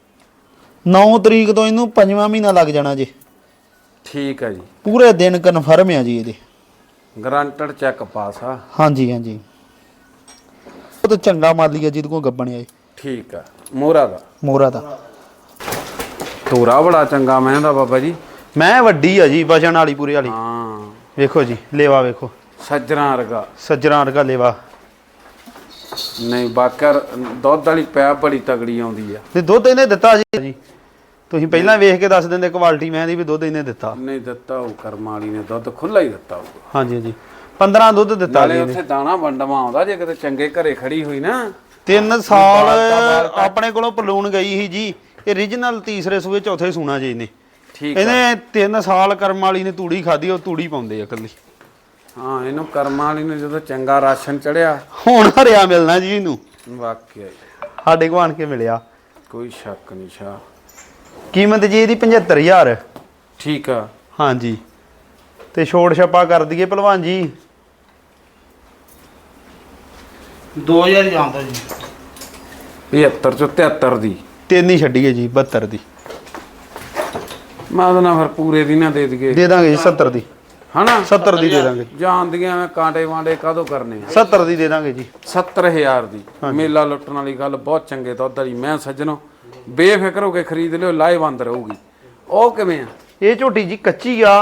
Speaker 2: 9 ਤਰੀਕ ਤੋਂ ਇਹਨੂੰ ਪੰਜਵਾਂ ਮਹੀਨਾ ਲੱਗ ਜਾਣਾ ਜੀ।
Speaker 1: ਠੀਕ ਆ ਜੀ
Speaker 2: ਪੂਰੇ ਦਿਨ ਕਨਫਰਮ ਆ ਜੀ ਇਹਦੇ।
Speaker 1: ਗਰੰਟਡ ਚੈੱਕ ਪਾਸ ਆ।
Speaker 2: ਹਾਂਜੀ ਹਾਂਜੀ ਉਹ ਤਾਂ ਚੰਗਾ ਮਾਲੀ ਆ ਜਿਹਦੇ ਕੋਲ ਗੱਬਣਿਆ ਜੀ
Speaker 1: ਠੀਕ ਆ ਮੋਹਰਾ ਦਾ
Speaker 2: ਮੋਰਾ ਦਾ।
Speaker 1: ਤੋਰਾ ਬੜਾ ਚੰਗਾ ਮੈਂ ਦਾ ਬਾਬਾ ਜੀ।
Speaker 2: ਮੈਂ ਵੱਡੀ ਆ ਜੀ ਵਜਣ ਵਾਲੀ ਪੂਰੇ ਵਾਲੀ।
Speaker 1: ਹਾਂ
Speaker 2: ਵੇਖੋ ਜੀ ਲੇਵਾ ਵੇਖੋ
Speaker 1: ਸੱਜਰਾਂ ਵਰਗਾ
Speaker 2: ਸੱਜਰਾਂ ਵਰਗਾ ਲੇਵਾ।
Speaker 1: ਨਹੀਂ ਬਾਕਰ ਦੁੱਧ ਵਾਲੀ ਪੈਪ ਬੜੀ ਤਗੜੀ ਆਉਂਦੀ ਆ।
Speaker 2: ਤੇ ਦੁੱਧ ਇਹਨੇ ਦਿੱਤਾ ਜੀ ਤੁਸੀਂ ਪਹਿਲਾਂ ਵੇਖ ਕੇ ਦੱਸ ਦਿੰਦੇ ਕੁਆਲਿਟੀ ਮੈਂ ਦੀ ਵੀ ਦੁੱਧ ਇਹਨੇ ਦਿੱਤਾ।
Speaker 1: ਨਹੀਂ ਦਿੱਤਾ ਉਹ ਕਰਮ ਵਾਲੀ ਨੇ ਦੁੱਧ ਖੁੱਲਾ ਹੀ ਦਿੱਤਾ ਉਹ।
Speaker 2: ਹਾਂਜੀ ਹਾਂਜੀ 15 ਦੁੱਧ ਦਿੱਤਾ
Speaker 1: ਨਾਲੇ
Speaker 2: ਜੀ
Speaker 1: ਉੱਥੇ ਦਾਣਾ ਵੰਡਵਾ ਆਉਂਦਾ ਜੇ ਕਿਤੇ ਚੰਗੇ ਘਰੇ ਖੜੀ ਹੋਈ ਨਾ।
Speaker 2: 3 ਸਾਲ ਆਪਣੇ ਕੋਲੋਂ ਪਲੂਣ ਗਈ ਸੀ ਜੀ। ਇਹ ਰੀਜਨਲ ਤੀਸਰੇ ਸੂਏ ਚੌਥੇ ਸੂਣਾ ਜੀ ਇਹਨੇ।
Speaker 1: ਠੀਕ ਆ
Speaker 2: ਇਹਨੇ 3 ਸਾਲ ਕਰਮ ਵਾਲੀ ਨੇ ਤੂੜੀ ਖਾਧੀ ਉਹ ਤੂੜੀ ਪਾਉਂਦੇ ਆ ਇਕੱਲੀ।
Speaker 1: ਹਾਂ ਇਹਨੂੰ ਕਰਮ ਵਾਲੀ ਨੇ ਜਦੋਂ ਚੰਗਾ ਰਾਸ਼ਨ ਚੜਿਆ
Speaker 2: ਹੁਣ ਹਰਿਆ ਮਿਲਣਾ ਜੀ ਇਹਨੂੰ।
Speaker 1: ਵਾਕਿਆ ਹੀ।
Speaker 2: ਸਾਡੇ ਕੋਲ ਆਣ ਕੇ ਮਿਲਿਆ।
Speaker 1: ਕੋਈ ਸ਼ੱਕ ਨਹੀਂ ਸ਼ਾ।
Speaker 2: ਕੀਮਤ ਜੀ ਇਹਦੀ 75000।
Speaker 1: ਠੀਕ ਆ
Speaker 2: ਹਾਂਜੀ ਤੇ ਛੋੜ ਛੱਪਾ ਕਰ ਦਈਏ ਭਲਵਾਨ ਜੀ
Speaker 3: 2000 ਜਾਣ ਦੋ ਜੀ
Speaker 1: 75 ਚੋਂ 73 ਦੀ
Speaker 2: 3 ਹੀ ਛੱਡੀਏ ਜੀ 72 ਦੀ
Speaker 1: ਮੈਂ ਉਹਦਾ ਨਾ ਫਿਰ ਪੂਰੇ ਦੀ ਨਾ ਦੇ ਦਈਏ
Speaker 2: ਦੇ ਦਾਂਗੇ ਜੀ 70 ਦੀ
Speaker 1: ਹਨਾ।
Speaker 2: 70 ਦੀ ਦੇ ਦਾਂਗੇ
Speaker 1: ਜਾਣਦੀਆਂ ਮੈਂ ਕਾਂਟੇ ਵਾਂਡੇ ਕਾਹਦੋਂ ਕਰਨੇ ਆ।
Speaker 2: 70 ਦੀ ਦੇ ਦਾਂਗੇ ਜੀ
Speaker 1: 70000 ਦੀ ਮੇਲਾ ਲੁੱਟਣ ਵਾਲੀ ਗੱਲ। ਬਹੁਤ ਚੰਗੇ ਦੁੱਧ ਵਾਲੀ ਮੈਂ ਸੱਜਣੋ ਬੇਫਿਕਰ ਹੋ ਕੇ ਖਰੀਦ ਲਿਓ ਲਾਏ ਬੰਦ ਰਹੂਗੀ। ਉਹ ਕਿਵੇਂ ਆ?
Speaker 2: ਇਹ ਝੋਟੀ ਜੀ ਕੱਚੀ ਆ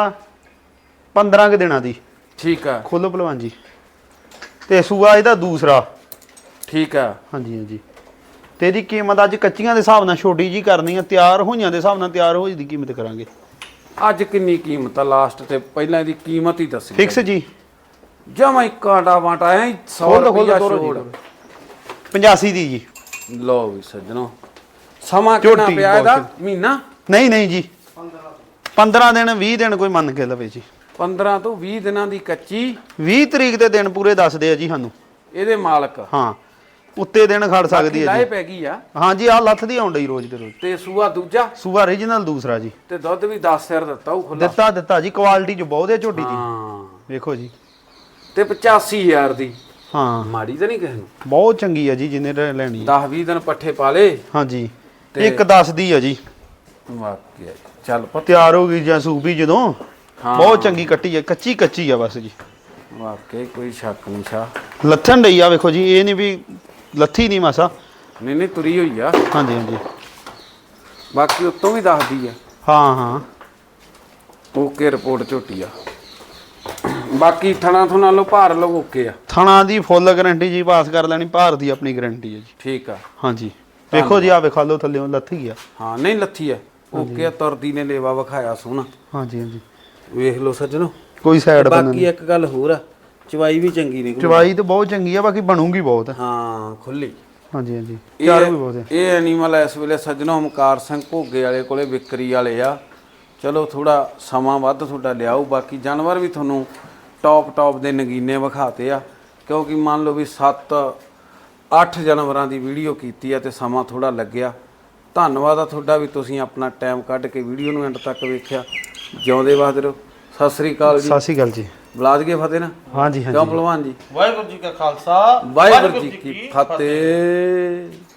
Speaker 2: 15 ਕੁ ਦਿਨਾਂ ਦੀ।
Speaker 1: ਠੀਕ ਆ
Speaker 2: ਖੋਲੋ ਭਲਵਾਨ ਜੀ ਤੇ ਸੂਆ ਇਹਦਾ ਦੂਸਰਾ।
Speaker 1: ਠੀਕ ਆ
Speaker 2: ਹਾਂਜੀ ਹਾਂਜੀ ਤੇ ਇਹਦੀ ਕੀਮਤ ਅੱਜ ਕੱਚੀਆਂ ਦੇ ਹਿਸਾਬ ਨਾਲ ਛੋਟੀ ਜੀ ਕਰਨੀ ਆ। ਤਿਆਰ ਹੋਈਆਂ ਦੇ ਹਿਸਾਬ ਨਾਲ ਤਿਆਰ ਹੋਈ ਦੀ ਕੀਮਤ ਕਰਾਂਗੇ।
Speaker 1: ਅੱਜ ਕਿੰਨੀ ਕੀਮਤ ਆ ਲਾਸਟ ਤੇ ਪਹਿਲਾਂ ਇਹਦੀ ਕੀਮਤ ਹੀ ਦੱਸੀ
Speaker 2: ਫਿਕਸ ਜੀ
Speaker 1: ਜਮਾ ਹੀ ਕਾਂਟਾ ਵਾਂਟਾ ਐ 100 ਰੁਪਇਆ ਛੋੜ
Speaker 2: 85 ਦੀ ਜੀ।
Speaker 1: ਲਓ ਵੀ ਸੱਜਣੋ ਸਮਾਂ ਕਿੰਨਾ
Speaker 2: ਝੋਟੀ
Speaker 1: ਪਿਆ ਇਹਦਾ?
Speaker 2: ਬਹੁਤ।
Speaker 1: ਮਹੀਨਾ
Speaker 2: ਨਹੀਂ ਨਹੀਂ ਜੀ 15 ਦਿਨ 20 ਦਿਨ ਕੋਈ ਮੰਨ ਕੇ ਲਵੇ ਜੀ।
Speaker 1: 15 ਤੋਂ 20 ਦਿਨਾਂ ਦੀ ਕੱਚੀ
Speaker 2: 20 ਤਰੀਕ ਦੇ ਦਿਨ ਪੂਰੇ ਦੱਸਦੇ ਆ ਜੀ ਸਾਨੂੰ।
Speaker 1: ਇਹਦੇ ਮਾਲਕ
Speaker 2: ਹਾਂ ਉੱਤੇ ਦਿਨ ਖੜ ਸਕਦੀ ਹੈ
Speaker 1: ਲਾਏ
Speaker 2: ਜੀ।
Speaker 1: ਪੈ ਗਈ ਆ।
Speaker 2: ਹਾਂਜੀ ਆਹ ਲੱਥ ਦੀ ਆਉਣ ਡਈ ਰੋਜ਼ ਦੇ ਰੋਜ਼।
Speaker 1: ਤੇ ਸੂਆ ਦੂਜਾ
Speaker 2: ਸੂਆ ਰੀਜਨਲ ਦੂਸਰਾ ਜੀ।
Speaker 1: ਤੇ ਦੁੱਧ ਵੀ 10 ਸਿਰ ਦਿੱਤਾ ਉਹ ਖੁੱਲਾ।
Speaker 2: ਦਿੱਤਾ ਜੀ ਕੁਆਲਿਟੀ ਚ ਬਹੁਤ ਹੈ ਝੋਟੀ ਦੀ।
Speaker 1: ਹਾਂ
Speaker 2: ਵੇਖੋ ਜੀ
Speaker 1: ਤੇ 85000 ਦੀ
Speaker 2: ਹਾਂ
Speaker 1: ਮਾੜੀ ਤਾਂ ਨਹੀਂ ਕਿਸੇ ਨੂੰ।
Speaker 2: ਬਹੁਤ ਚੰਗੀ ਆ ਜੀ ਜਿੰਨੇ ਲੈਣੀ।
Speaker 1: 10-20 ਦਿਨ ਪੱਠੇ ਪਾ ਲੇ।
Speaker 2: ਹਾਂਜੀ ਇੱਕ 10 ਦੀ ਆ ਜੀ।
Speaker 1: ਵਾਕਿਆ ਚੱਲ ਪੱਤ
Speaker 2: ਤਿਆਰ ਹੋ ਗਈ ਜਾਂ ਸੂਬੀ ਜਦੋਂ।
Speaker 1: ਹਾਂ।
Speaker 2: ਬਹੁਤ ਚੰਗੀ ਕੱਟੀ ਆ ਕੱਚੀ ਆ ਬਸ ਜੀ।
Speaker 1: ਵਾਕਿਆ ਕੋਈ ਸ਼ੱਕ ਨਹੀਂ ਸ਼ਾ।
Speaker 2: ਲੱਥਣ ਡਈ ਆ ਵੇਖੋ ਜੀ ਇਹ ਨਹੀਂ ਵੀ ਲੱਥੀ ਨਹੀਂ ਮਾਸਾ।
Speaker 1: ਨਹੀਂ ਤੁਰੀ ਹੋਈ ਆ।
Speaker 2: ਹਾਂਜੀ ਹਾਂਜੀ
Speaker 1: ਬਾਕੀ ਉਤੋਂ ਵੀ ਦੱਸਦੀ ਆ।
Speaker 2: ਹਾਂ ਹਾਂ
Speaker 1: ਓਕੇ ਰਿਪੋਰਟ ਝੋਟੀ ਆ। ਬਾਕੀ ਥਣਾ ਥੁਣਾ ਲੋ ਭਾਰ ਲੋ ਓਕੇ ਆ।
Speaker 2: ਥਣਾ ਦੀ ਫੁੱਲ ਗਾਰੰਟੀ ਜੀ ਪਾਸ ਕਰ ਲੈਣੀ। ਭਾਰ ਦੀ ਆਪਣੀ ਗਾਰੰਟੀ ਹੈ ਜੀ।
Speaker 1: ਠੀਕ ਆ
Speaker 2: ਹਾਂਜੀ ਵੇਖੋ ਜੀ ਆ ਵੇਖਾ ਲਓ ਥੱਲੇੋਂ ਲੱਥੀ ਆ।
Speaker 1: ਹਾਂ ਨਹੀਂ ਲੱਥੀ ਆ ਓਕੇ ਆ। ਤੁਰਦੀ ਨੇ ਲੇਵਾ ਵਿਖਾਇਆ ਸੋਹਣਾ।
Speaker 2: ਹਾਂਜੀ ਹਾਂਜੀ
Speaker 1: ਵੇਖ ਲਓ ਸੱਜਣੋ।
Speaker 2: ਕੋਈ ਸਾਈਡ
Speaker 1: ਬਾਕੀ ਇੱਕ ਗੱਲ ਹੋਰ ਆ ਚਵਾਈ ਵੀ ਚੰਗੀ ਨਿਕਲੀ।
Speaker 2: ਚਵਾਈ ਤਾਂ ਬਹੁਤ ਚੰਗੀ ਆ ਬਾਕੀ ਬਣੂਗੀ ਬਹੁਤ।
Speaker 1: ਹਾਂ ਖੁੱਲੀ।
Speaker 2: ਹਾਂਜੀ ਹਾਂਜੀ ਚਾਰ ਵੀ ਬਹੁਤ ਹੈ।
Speaker 1: ਇਹ ਐਨੀਮਲ ਇਸ ਵੇਲੇ ਸੱਜਣੋ ਓਮਕਾਰ ਸਿੰਘ ਘੋਗੇ ਵਾਲੇ ਕੋਲੇ ਵਿਕਰੀ ਵਾਲੇ ਆ। ਚਲੋ ਥੋੜਾ ਸਮਾਂ ਵੱਧ ਤੁਹਾਡਾ ਲਿਆਓ। ਬਾਕੀ ਜਾਨਵਰ ਵੀ ਤੁਹਾਨੂੰ ਟੌਪ ਦੇ ਨਗੀਨੇ ਵਿਖਾਤੇ ਆ, ਕਿਉਂਕਿ ਮੰਨ ਲਓ ਵੀ 7-8 ਜਾਨਵਰਾਂ ਦੀ ਵੀਡੀਓ ਕੀਤੀ ਆ ਤੇ ਸਮਾਂ ਥੋੜਾ ਲੱਗਿਆ। ਧੰਨਵਾਦ ਆ ਤੁਹਾਡਾ ਵੀ ਤੁਸੀਂ ਆਪਣਾ ਟਾਈਮ ਕੱਢ ਕੇ ਵੀਡੀਓ ਨੂੰ ਐਂਡ ਤੱਕ ਵੇਖਿਆ। ਜਿਉਂਦੇ ਵਸਦੇ ਰਹੋ। ਸਤਿ ਸ੍ਰੀ ਅਕਾਲ ਜੀ।
Speaker 2: ਸਤਿ ਸ਼੍ਰੀ ਅਕਾਲ ਜੀ।
Speaker 1: ਬੁਲਾ ਦਈਏ ਫਤਿਹ ਨਾ?
Speaker 2: ਹਾਂਜੀ
Speaker 1: ਕਿਉਂ ਭਲਵਾਨ ਜੀ?
Speaker 3: ਵਾਹਿਗੁਰੂ ਜੀ ਕਾ ਖਾਲਸਾ
Speaker 1: ਵਾਹਿਗੁਰੂ ਜੀ ਕੀ ਫਤਿਹ।